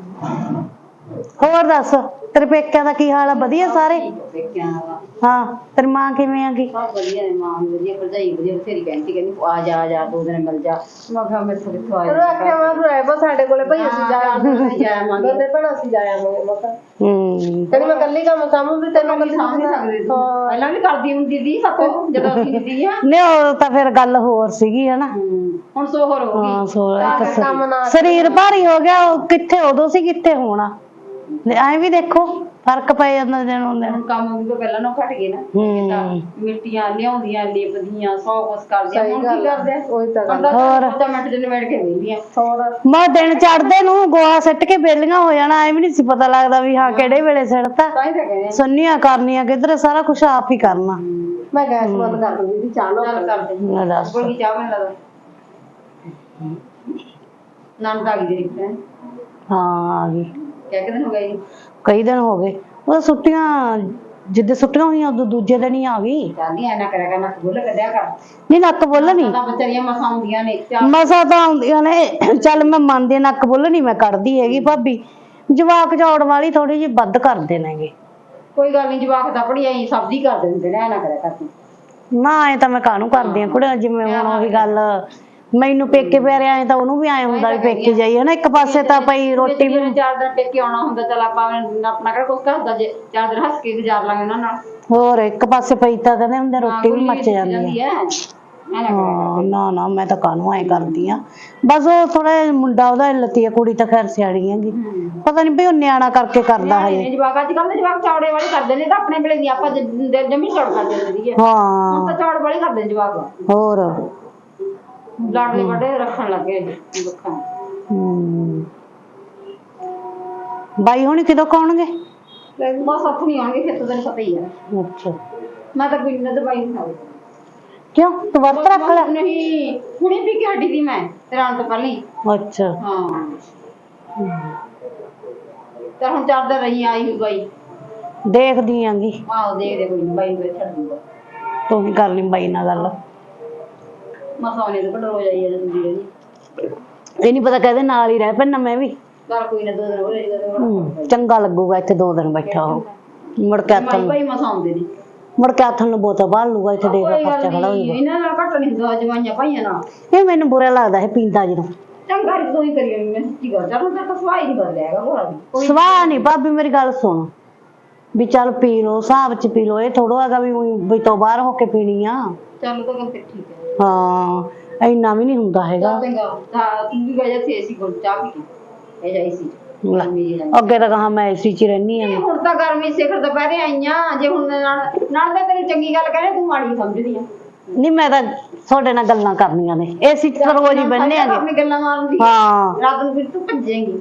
Speaker 1: ਹੋਰ ਦੱਸ ਤੇਰੇ ਪੇਕਿਆਂ ਦਾ ਕੀ ਹਾਲ ਆ ਵਧੀਆ ਸਾਰੇ ਹਾਂ ਤੇਰੀ ਮਾਂ ਕਿਵੇਂ ਆਗੀ
Speaker 3: ਸਭ ਵਧੀਆ ਨੇ ਮਾਂ ਵੀ ਵਧੀਆ ਭਰਜਾਈ ਵਧੀਆ ਬਥੇਰੀ ਕਹਿੰਦੀ ਕਹਿੰਦੀ ਆ ਜਾ ਆ ਜਾ ਦੋ ਦਿਨ ਮਿਲ ਜਾ ਮੈਂ ਕਿਹਾ ਮੈਂ ਥੋੜੀ ਥੋੜੀ ਆ ਜਾ ਮੈਂ ਰਹਿ ਬਸ ਸਾਡੇ ਕੋਲੇ ਭਈ ਅਸੀਂ ਜਾ ਆਵਾਂਗੇ ਦੋਨੇ ਭੈਣਾਂ ਅਸੀਂ ਜਾ ਆਵਾਂਗੇ ਮੈਂ ਕਿਹਾ
Speaker 1: ਹੂੰ
Speaker 3: ਕਹਿੰਦੀ ਮੈਂ ਕੱਲੀ ਕੰਮ ਸਾਂਭੂ ਵੀ ਤੈਨੂੰ ਕੱਲੀ ਸਾਂਭ ਨਹੀਂ ਸਕਦੇ ਪਹਿਲਾਂ ਵੀ ਕਰਦੀ ਹੁੰਦੀ ਸੀ ਸੱਤੋਂ ਜਦੋਂ ਅਸੀਂ ਹੁੰਦੀ ਆ
Speaker 1: ਨਹੀਂ ਉਹ ਤਾਂ ਫਿਰ ਗੱਲ ਹੋਰ ਸੀਗੀ ਹਨਾ
Speaker 3: ਹੁਣ ਸੋਹਰ ਹੋ
Speaker 1: ਹਾਂ ਸੋ ਇੱਕ ਸ-
Speaker 3: ਕੰਮ ਨਾ
Speaker 1: ਸਰੀਰ ਭਾਰੀ ਹੋ ਗਿਆ ਉਹ ਕਿੱਥੇ ਉਦੋਂ ਸੀ ਕਿੱਥੇ ਹੋਣਾ ਐ ਵੀ ਦੇਖੋ ਫਰਕ ਪੈ ਜਾਂਦਾ ਦਿਨ ਹੁੰਦੇ
Speaker 3: ਹੁਣ ਕੰਮ ਵੀ ਤਾਂ ਪਹਿਲਾਂ ਨਾ ਘਟ ਗਏ ਨਾ
Speaker 1: ਹੂੰ
Speaker 3: ਮਿੱਟੀਆਂ ਲਿਆਉਂਦੀਆਂ ਲਿਪਦੀਆਂ ਸੌ ਕੁਛ ਕਰਦੀਆਂ ਹੁਣ ਕੀ ਕਰਦੇ ਉਹੀ ਤਾਂ ਗੱਲ
Speaker 1: ਹੋਰ
Speaker 3: ਤਾਂ ਮਿੰਟ ਦੇ ਨਿਬੜ ਕੇ ਵੇਲੀਆਂ ਹੋਰ
Speaker 1: ਮੈਂ ਦਿਨ ਚੜਦੇ ਨੂੰ ਗੋਹਾ ਸਿੱਟ ਕੇ ਬੇਲੀਆਂ ਹੋ ਜਾਣਾ ਐ ਵੀ ਨਹੀਂ ਸੀ ਪਤਾ ਲੱਗਦਾ ਵੀ ਹਾਂ ਕਿਹੜੇ ਵੇਲੇ ਸਿੱਟਤਾ
Speaker 3: ਤਾਂ ਹੀ ਤਾਂ ਕਹਿੰਦੇ
Speaker 1: ਸੁੰਨੀਆਂ ਕਰਨੀਆਂ ਕਿਧਰ ਸਾਰਾ ਕੁਝ ਆਪ ਹੀ ਕਰਨਾ
Speaker 3: ਮੈਂ ਗੈਸ ਬੰਦ ਕਰ ਦੂੰਗੀ ਜੀ ਚਾਹ ਨਾ ਕਰ ਦੇ
Speaker 1: ਲੈ ਦੱਸ
Speaker 3: ਕੋਲ ਕੀ ਚਾਹ ਬਣ ਲਦਾ ਨਾਮ ਤਾਂ ਗਈ ਦੇਖਦੇ
Speaker 1: ਹਾਂ ਆ ਗਈ
Speaker 3: ਕਿਆ ਕਿਦਨ ਹੋ ਗਈ
Speaker 1: ਕਈ ਦਿਨ ਹੋ ਗਏ ਉਹ ਛੁੱਟੀਆਂ ਜਿੱਦੇ ਛੁੱਟੀਆਂ ਹੋਈਆਂ ਉਦੋਂ ਦੂਜੇ ਦਿਨ ਹੀ ਆ ਗਈ
Speaker 3: ਜਾਂਦੀ ਐ ਨਾ ਕਰਿਆ ਕਰ ਨਾ ਬੁੱਲ ਕੱਢਿਆ ਕਰ
Speaker 1: ਨਹੀਂ ਨੱਕ ਬੋਲ ਨਹੀਂ
Speaker 3: ਤਾਂ ਵਿਚਾਰੀਆਂ ਮਸਾਂ ਆਉਂਦੀਆਂ ਨੇ
Speaker 1: ਮਸਾ ਤਾਂ ਆਉਂਦੀਆਂ ਨੇ ਚੱਲ ਮੈਂ ਮੰਨਦੀ ਹਾਂ, ਨੱਕ ਬੁੱਲ ਨਹੀਂ ਮੈਂ ਕੱਢਦੀ ਹੈਗੀ ਭਾਬੀ ਜਵਾਕ ਚੌੜ ਵਾਲੀ ਥੋੜੀ ਜਿਹੀ ਵੱਧ ਕਰਦੇ ਨੇਗੇ
Speaker 3: ਕੋਈ ਗੱਲ ਨਹੀਂ ਜਵਾਕ ਤਾਂ ਪੜੀ ਆਈ ਸਬਜ਼ੀ ਕਰ ਦਿੰਦੇ ਨੇ ਐ ਨਾ ਕਰਿਆ ਕਰ ਤੂੰ
Speaker 1: ਨਾ ਐ ਤਾਂ ਮੈਂ ਕਾਹਨੂੰ ਕਰਦੀ ਆ ਕੁੜੇ ਜਿਵੇਂ ਹੁਣ ਉਹੀ ਗੱਲ ਮੈਨੂੰ ਪੇਕੇ ਪਿਆਰੇ ਆਏ ਤਾਂ ਉਹਨੂੰ ਵੀ ਆਏ ਹੁੰਦਾ ਵੀ ਪੇਕੇ ਜਾਈਏ ਨਾ ਇੱਕ ਪਾਸੇ ਤਾਂ ਪਈ ਰੋਟੀ ਵੀ
Speaker 3: ਚਾਰ ਦਿਨ ਟੇਕੇ ਆਉਣਾ ਹੁੰਦਾ ਚੱਲ ਆਪਾਂ ਆਪਣਾ ਕਿਹੜਾ ਕੁਝ ਕਰਦਾ ਜੇ ਚਾਰ ਦਿਨ ਹੱਸ ਕੇ ਗੁਜ਼ਾਰ ਲਾਂਗੇ ਉਹਨਾਂ ਨਾਲ
Speaker 1: ਹੋਰ ਇੱਕ ਪਾਸੇ ਪਈ ਤਾਂ ਕਹਿੰਦੇ ਹੁੰਦੇ ਰੋਟੀ ਵੀ ਮੱਚ ਜਾਂਦੀ ਆ
Speaker 3: ਹੈ
Speaker 1: ਹਾਂ ਨਾ ਨਾ ਮੈਂ ਤਾਂ ਕਾਹਨੂੰ ਐ ਕਰਦੀ ਆ ਬਸ ਉਹ ਥੋੜਾ ਮੁੰਡਾ ਉਹਦਾ ਲੱਤੀ ਆ ਕੁੜੀ ਤਾਂ ਖੈਰ ਸਿਆਣੀ ਹੈਗੀ ਪਤਾ ਨਹੀਂ ਵੀ ਉਹ ਨਿਆਣਾ ਕਰਕੇ ਕਰਦਾ ਹਜੇ
Speaker 3: ਜਵਾਕ ਅੱਜ ਕੱਲ੍ਹ ਦੇ ਜਵਾਕ ਚੌੜੇ ਵਾਲੇ ਕਰਦੇ ਨੇ ਤਾਂ ਆਪਣੇ ਵੇਲੇ ਦੀ ਆਪਾਂ ਜਮੀ ਚੌੜ ਕਰਦੇ ਹੁੰਦੇ ਹੁਣ
Speaker 1: ਹਾਂ
Speaker 3: ਤਾਂ ਚੌੜ ਵਾਲੇ ਕਰਦੇ ਨੇ ਜਵਾਕ
Speaker 1: ਹੋਰ
Speaker 3: ਲਾਡਲੇ ਵੱਡੇ ਰੱਖਣ ਲੱਗੇ ਲੋਕਾਂ
Speaker 1: ਹੂੰ ਬਾਈ ਹੁਣੀ ਕਿਦੋਂ ਕਾਉਣਗੇ
Speaker 3: ਬਸ ਹੱਥ ਨਹੀਂ ਆਉਣਗੇ ਫਿਰ ਤਾਂ ਤੈਨੂੰ ਪਤਾ ਹੀ ਆ
Speaker 1: ਅੱਛਾ
Speaker 3: ਮੈਂ ਤਾਂ ਕੋਈ ਨਾ ਦਵਾਈ ਨਹੀਂ ਖਾਉਂਦੀ
Speaker 1: ਕਿਉਂ ਤੂੰ ਵਰਤ ਰੱਖ ਲੈ
Speaker 3: ਨਹੀਂ ਹੁਣੇ ਵੀ ਕਿ ਹੱਡੀ ਦੀ ਮੈਂ ਤੇਰਾਂ ਤੋਂ ਪਹਿਲਾਂ ਹੀ
Speaker 1: ਅੱਛਾ
Speaker 3: ਹਾਂ ਤਾਂ ਹੁਣ ਚਾਰ ਦਿਨ ਰਹੀ ਆਈ ਹੋਈ ਬਾਈ
Speaker 1: ਦੇਖਦੀ ਆਂਗੀ
Speaker 3: ਆਹੋ ਦੇਖਦੇ ਕੋਈ ਨੀ ਬਾਈ ਨੂੰ ਛੱਡ ਦੂੰਗਾ
Speaker 1: ਤੂੰ ਵੀ ਕਰ ਲਈ ਬਾਈ ਨਾਲ ਗੱਲ
Speaker 3: ਮਸਾ ਉਹਨੇ ਤਾਂ ਘਟੋ ਜਾਈ ਜਾਂਦੀ ਰਹੀ
Speaker 1: ਇਹ ਨਹੀਂ ਪਤਾ ਕਹਦੇ ਨਾਲ ਹੀ ਰਹਿ ਪੈਣਾ ਮੈਂ ਵੀ
Speaker 3: ਘਰ ਕੋਈ ਨਾ ਦੋ ਦਿਨ ਹੋ ਜਾਈਦਾ
Speaker 1: ਹੂੰ, ਚੰਗਾ ਲੱਗੂਗਾ ਇੱਥੇ ਦੋ ਦਿਨ ਬੈਠਾ ਉਹ ਮੁੜ ਕੇ ਹੱਥ ਨੂੰ
Speaker 3: ਬਾਈ ਮਸਾ ਆਉਂਦੇ ਨੇ
Speaker 1: ਮੁੜ ਕੇ ਹੱਥ ਨੂੰ ਬੋਤਲ ਬਾਹਰ ਲੂਗਾ ਇੱਥੇ ਦੇਖ
Speaker 3: ਕੋਈ
Speaker 1: ਖਰਚਾ
Speaker 3: ਗੱਲ
Speaker 1: ਖੜਾ
Speaker 3: ਨੀ,
Speaker 1: ਹੋਊਗਾ
Speaker 3: ਇਹਨਾਂ ਨਾਲ ਘੱਟ ਨਹੀਂ ਹੁੰਦਾ ਜਵਾਈਆਂ ਭਾਈਆਂ ਨਾਲ
Speaker 1: ਇਹ ਮੈਨੂੰ ਬੁਰਾ ਲੱਗਦਾ ਹੈ ਪੀਂਦਾ ਜਦੋਂ
Speaker 3: ਚੰਗਾ ਰੀ ਤੋਂ ਹੀ ਕਰੀ ਮੈਂ ਸੱਚੀ ਗੱਲ ਚੱਲ ਤਾਂ ਸਵਾਈ ਨਹੀਂ ਬਦਲਿਆ ਹੈਗਾ ਹੋਰਾ ਵੀ ਕੋਈ
Speaker 1: ਸਵਾਹ ਨਹੀਂ ਭਾਬੀ ਮੇਰੀ ਗੱਲ ਸੁਣ ਵੀ ਚੱਲ ਪੀ ਲੋ ਹਿਸਾਬ ਚ ਪੀ ਲੋ ਇਹ ਥੋੜਾ ਹੈਗਾ ਵੀ ਊਂ ਵੀ ਤੋਂ ਬਾਹਰ ਹੋ ਕੇ ਪੀਣੀ ਆ
Speaker 3: ਚੱਲ ਤਾਂ ਫਿਰ ਠੀਕ ਹੈ
Speaker 1: ਹਾਂ ਇੰਨਾ ਵੀ ਨਹੀਂ ਹੁੰਦਾ ਹੈਗਾ
Speaker 3: ਚੱਲ ਚੰਗਾ ਤਾਂ ਤੂੰ ਵੀ ਵਜ੍ਹਾ ਸੀ ਅਸੀਂ ਕੋਲ ਚਾਹ ਪੀ ਇਹ ਜਾਈ ਸੀ
Speaker 1: ਲੈ, ਅੱਗੇ ਤਾਂ ਕਹਾ ਮੈਂ ਏਸੀ ਚ ਰਹਿਨੀ ਆ
Speaker 3: ਹੁਣ ਤਾਂ ਗਰਮੀ ਸਿਖਰ ਦੁਪਹਿਰੇ ਆਈਆਂ ਜੇ ਹੁਣ ਨਾਲ ਨਾਲ ਤਾਂ ਤੇਰੀ ਚੰਗੀ ਗੱਲ ਕਰੇ ਤੂੰ ਮਾੜੀ ਸਮਝਦੀ ਆ
Speaker 1: ਨਹੀਂ ਮੈਂ ਤਾਂ ਤੁਹਾਡੇ ਨਾਲ ਗੱਲਾਂ ਕਰਨੀਆਂ ਨੇ ਏਸੀ ਚ ਤਾਂ ਰੋਜ਼ ਹੀ ਬੰਨੇ ਆਗੇ
Speaker 3: ਆਪਣੀ ਗੱਲਾਂ ਮਾਰਦੀ
Speaker 1: ਹਾਂ
Speaker 3: ਰਾਤ ਨੂੰ ਫਿਰ ਤੂੰ ਭੱਜੇਂਗੀ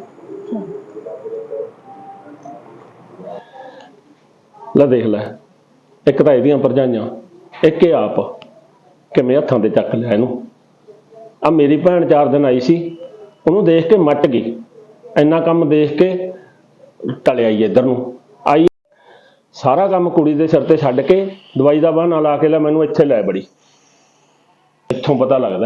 Speaker 2: ਲੈ ਦੇਖ ਲੈ ਇੱਕ ਤਾਂ ਇਹਦੀਆਂ ਭਰਜਾਈਆਂ ਇੱਕ ਇਹ ਆਪ ਕਿਵੇਂ ਹੱਥਾਂ ਤੇ ਚੱਕ ਲਿਆ ਇਹਨੂੰ ਆ ਮੇਰੀ ਭੈਣ ਚਾਰ ਦਿਨ ਆਈ ਸੀ ਉਹਨੂੰ ਦੇਖ ਕੇ ਮੱਟ ਗਈ ਇੰਨਾ ਕੰਮ ਦੇਖ ਕੇ ਟਲਿਆ ਹੀ ਇੱਧਰ ਨੂੰ ਆਈ ਸਾਰਾ ਕੰਮ ਕੁੜੀ ਦੇ ਸਿਰ ਤੇ ਛੱਡ ਕੇ ਦਵਾਈ ਦਾ ਬਹਾਨਾ ਲਾ ਕੇ ਲੈ ਮੈਨੂੰ ਇੱਥੇ ਲੈ ਬੜੀ ਇੱਥੋਂ ਪਤਾ ਲੱਗਦਾ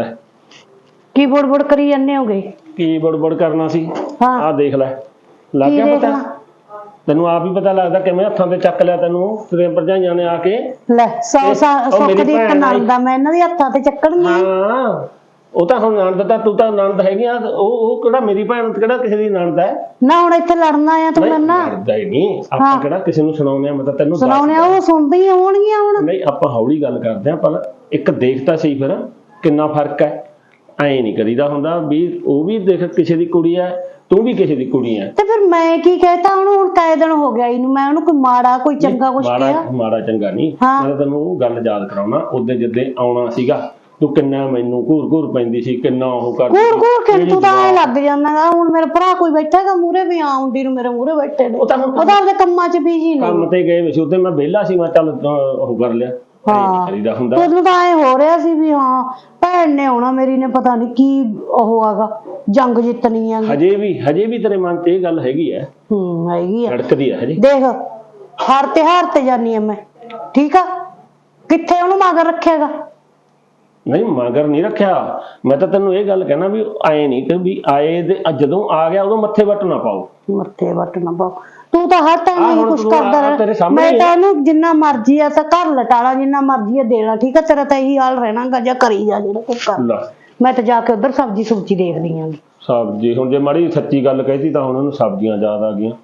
Speaker 1: ਕੀ ਬੁੜ ਬੁੜ ਕਰੀ ਜਾਂਦੇ ਹੋਗੇ
Speaker 2: ਕੀ ਬੜਬੜ ਕਰਨਾ ਸੀ
Speaker 1: ਹਾਂ
Speaker 2: ਆਹ ਦੇਖ ਲੈ ਲੱਗ
Speaker 1: ਕੀ
Speaker 2: ਗਿਆ ਪਤਾ
Speaker 1: ਦੇਖਣਾ?
Speaker 2: ਤੈਨੂੰ ਆਪ ਹੀ ਪਤਾ ਲੱਗਦਾ ਕਿਵੇਂ ਹੱਥਾਂ ਤੇ ਚੱਕ ਲਿਆ ਤੈਨੂੰ ਤੇਰੇ ਭਰਜਾਈਆਂ ਨੇ ਆ ਕੇ
Speaker 1: ਲੈ ਸੌ
Speaker 2: ਇਹ-
Speaker 1: ਸਾ-
Speaker 2: ਉਹ
Speaker 1: ਸੁੱਖ
Speaker 2: ਮੇਰੀ
Speaker 1: ਦੀ ਇੱਕ
Speaker 2: ਭੈਣ ਆਈ।
Speaker 1: ਨੰਦ ਆ ਮੈਂ ਇਹਨਾਂ ਦੇ ਹੱਥਾਂ ਤੇ ਚੱਕਣਗੀ
Speaker 2: ਹਾਂ ਉਹ ਤਾਂ ਹੁਣ ਨਣਦ ਤਾਂ ਤੂੰ ਤਾਂ ਨਣਦ ਹੈਗੀ ਆ ਉਹ ਉਹ ਕਿਹੜਾ ਮੇਰੀ ਭੈਣ ਤੇ ਕਿਹੜਾ ਕਿਸੇ ਦੀ ਨਣਦ ਹੈ
Speaker 1: ਨਾ ਹੁਣ ਇੱਥੇ ਲੜਨਾ ਆ ਤੂੰ ਮੇਰੇ ਨਾਲ
Speaker 2: ਲੜਦਾ ਹੀ ਨਹੀਂ ਆਪਾਂ
Speaker 1: ਹਾਂ।
Speaker 2: ਕਿਹੜਾ ਕਿਸੇ ਨੂੰ ਸੁਣਾਉਂਦੇ ਆ ਮੈਂ ਤਾਂ ਤੈਨੂੰ ਦੱਸ
Speaker 1: ਸੁਣਾਉਣੇ ਆ ਉਹ ਸੁਣਦੇ ਹੀ ਹੋਣਗੀਆਂ ਹੁਣ
Speaker 2: ਨਹੀਂ ਆਪਾਂ ਹੌਲੀ ਗੱਲ ਕਰਦੇ ਆ ਪਰ ਇੱਕ ਦੇਖਤਾ ਸਹੀ ਫਿਰ ਕਿੰਨਾ ਫਰਕ ਹੈ ਐਂ ਨਹੀਂ ਕਰੀਦਾ ਹੁੰਦਾ ਵੀ ਉਹ ਵੀ ਦੇਖ ਕਿਸੇ ਦੀ ਕੁੜੀ ਹੈ ਤੂੰ ਵੀ ਕਿਸੇ ਦੀ ਕੁੜੀ ਹੈ
Speaker 1: ਤੇ ਫਿਰ ਮੈਂ ਕੀ ਕਹਿਤਾ ਉਹਨੂੰ ਹੁਣ ਕਾਇ ਦਿਨ ਹੋ ਗਿਆ ਇਹਨੂੰ ਮੈਂ ਉਹਨੂੰ ਕੋਈ ਮਾੜਾ ਕੋਈ ਚੰਗਾ ਕੁਛ
Speaker 2: ਮਾੜਾ
Speaker 1: ਕਿਹਾ
Speaker 2: ਮਾੜਾ ਚੰਗਾ ਨਹੀਂ
Speaker 1: ਹਾਂ।
Speaker 2: ਮੈਂ ਤਾਂ ਤੈਨੂੰ ਉਹ ਗੱਲ ਯਾਦ ਕਰਾਉਣਾ ਉਹਦੇ ਜਿੱਦੇ ਆਉਣਾ ਸੀਗਾ ਤੂੰ ਕਿੰਨਾ ਮੈਨੂੰ ਘੂਰ ਘੂਰ ਪੈਂਦੀ ਸੀ ਕਿੰਨਾ ਉਹ ਕਰਦੀ
Speaker 1: ਘੂਰ
Speaker 2: ਸੀ।
Speaker 1: ਘੂਰ ਕੇ
Speaker 2: ਕਿਹੜੀ
Speaker 1: ਤੂੰ ਤਾਂ ਐ
Speaker 2: ਜਵਾਨ।
Speaker 1: ਲੱਗ ਜਾਂਦਾਗਾ ਹੁਣ ਮੇਰਾ ਭਰਾ ਕੋਈ ਬੈਠਾਗਾ ਮੂਰੇ ਵੀ ਆਉਂਦੀ ਨੂੰ ਮੇਰੇ ਮੂਰੇ ਬੈਠੇ ਨੇ
Speaker 2: ਉਹ ਤਾਂ ਹੁਣ
Speaker 1: ਉਹ ਤਾਂ ਆਪਦੇ ਕੰਮਾਂ 'ਚ ਬੀਜੀ ਨੇ
Speaker 2: ਕੰਮ ਤੇ ਗਏ ਸੀ ਉੱਤੇ ਮੈਂ ਵਿਹਲਾ ਸੀ ਮੈਂ ਚੱਲ ਅਹ, ਉਹ ਕਰ ਲਿਆ ਐਂ ਨੀ
Speaker 1: ਹਾਂ
Speaker 2: ਕਰੀਦਾ ਹੁੰਦਾ
Speaker 1: ਤੈਨੂੰ ਤਾਂ ਐ ਹੋ ਰਿਹਾ ਸੀ ਵੀ ਹਾਂ ਭੈਣ ਨੇ ਆਉਣਾ ਮੇਰੀ ਨੇ ਪਤਾ ਨਹੀਂ ਕੀ ਉਹ ਆਗਾ ਜੰਗ ਜਿੱਤਣੀ ਆ
Speaker 2: ਹਜੇ ਵੀ ਹਜੇ ਵੀ ਤੇਰੇ ਮਨ 'ਚ ਇਹ ਗੱਲ ਹੈਗੀ ਹੈ
Speaker 1: ਹੂੰ ਹੈਗੀ ਆ
Speaker 2: ਧੜਕਦੀ ਹੈ ਹਜੇ
Speaker 1: ਦੇਖ ਹਰ ਤਿਉਹਾਰ ਤੇ ਜਾਨੀ ਆ ਮੈਂ ਠੀਕ ਆ ਕਿੱਥੇ ਉਹਨੂੰ ਮਗਰ ਰੱਖੇਗਾ
Speaker 2: ਨਹੀਂ ਮਗਰ ਨਹੀਂ ਰੱਖਿਆ ਮੈਂ ਤਾਂ ਤੈਨੂੰ ਇਹ ਗੱਲ ਕਹਿਣਾ ਵੀ ਆਏ ਨਹੀਂ ਕਿ ਵੀ ਆਏ ਦੇ ਅ ਜਦੋਂ ਆ ਗਿਆ ਉਦੋਂ ਮੱਥੇ ਵੱਟ ਨਾ ਪਾਓ
Speaker 1: ਮੱਥੇ ਵੱਟ ਨਾ ਪਾਓ ਤੂੰ ਤਾਂ ਹਰ ਟਾਈਮ
Speaker 2: ਆਹ
Speaker 1: ਇਹੀ
Speaker 2: ਹੁਣ
Speaker 1: ਕੁਛ
Speaker 2: ਤੂੰ
Speaker 1: ਕਰਦਾ
Speaker 2: ਆਹ ਤੇਰੇ
Speaker 1: ਰਹਿ
Speaker 2: ਸਾਹਮਣੇ
Speaker 1: ਮੈਂ
Speaker 2: ਹੀ
Speaker 1: ਤਾਂ
Speaker 2: ਆ।
Speaker 1: ਉਹਨੂੰ ਜਿੰਨਾ ਮਰਜ਼ੀ ਆ ਤਾਂ ਘਰ ਲਟਾਲਾ ਜਿੰਨਾ ਮਰਜ਼ੀ ਆ ਦੇਣਾ ਠੀਕ ਆ ਤੇਰਾ ਤਾਂ ਇਹੀ ਹਾਲ ਰਹਿਣਾਗਾ ਜਾਂ ਕਰੀ ਜਾ ਜਿਹੜਾ ਕੁਛ ਕਰ
Speaker 2: ਲੈ
Speaker 1: ਮੈਂ ਤਾਂ ਜਾ ਕੇ ਉਧਰ ਸਬਜ਼ੀ ਸੁਬਜ਼ੀ ਦੇਖਦੀ ਆਂ
Speaker 2: ਸਬਜ਼ੀ ਹੁਣ ਜੇ ਮਾੜੀ ਸੱਚੀ ਗੱਲ ਕਹਿਤੀ ਤਾਂ ਹੁਣ ਉਹਨੂੰ ਸਬਜ਼ੀਆਂ ਯਾਦ ਆ ਗਈਆਂ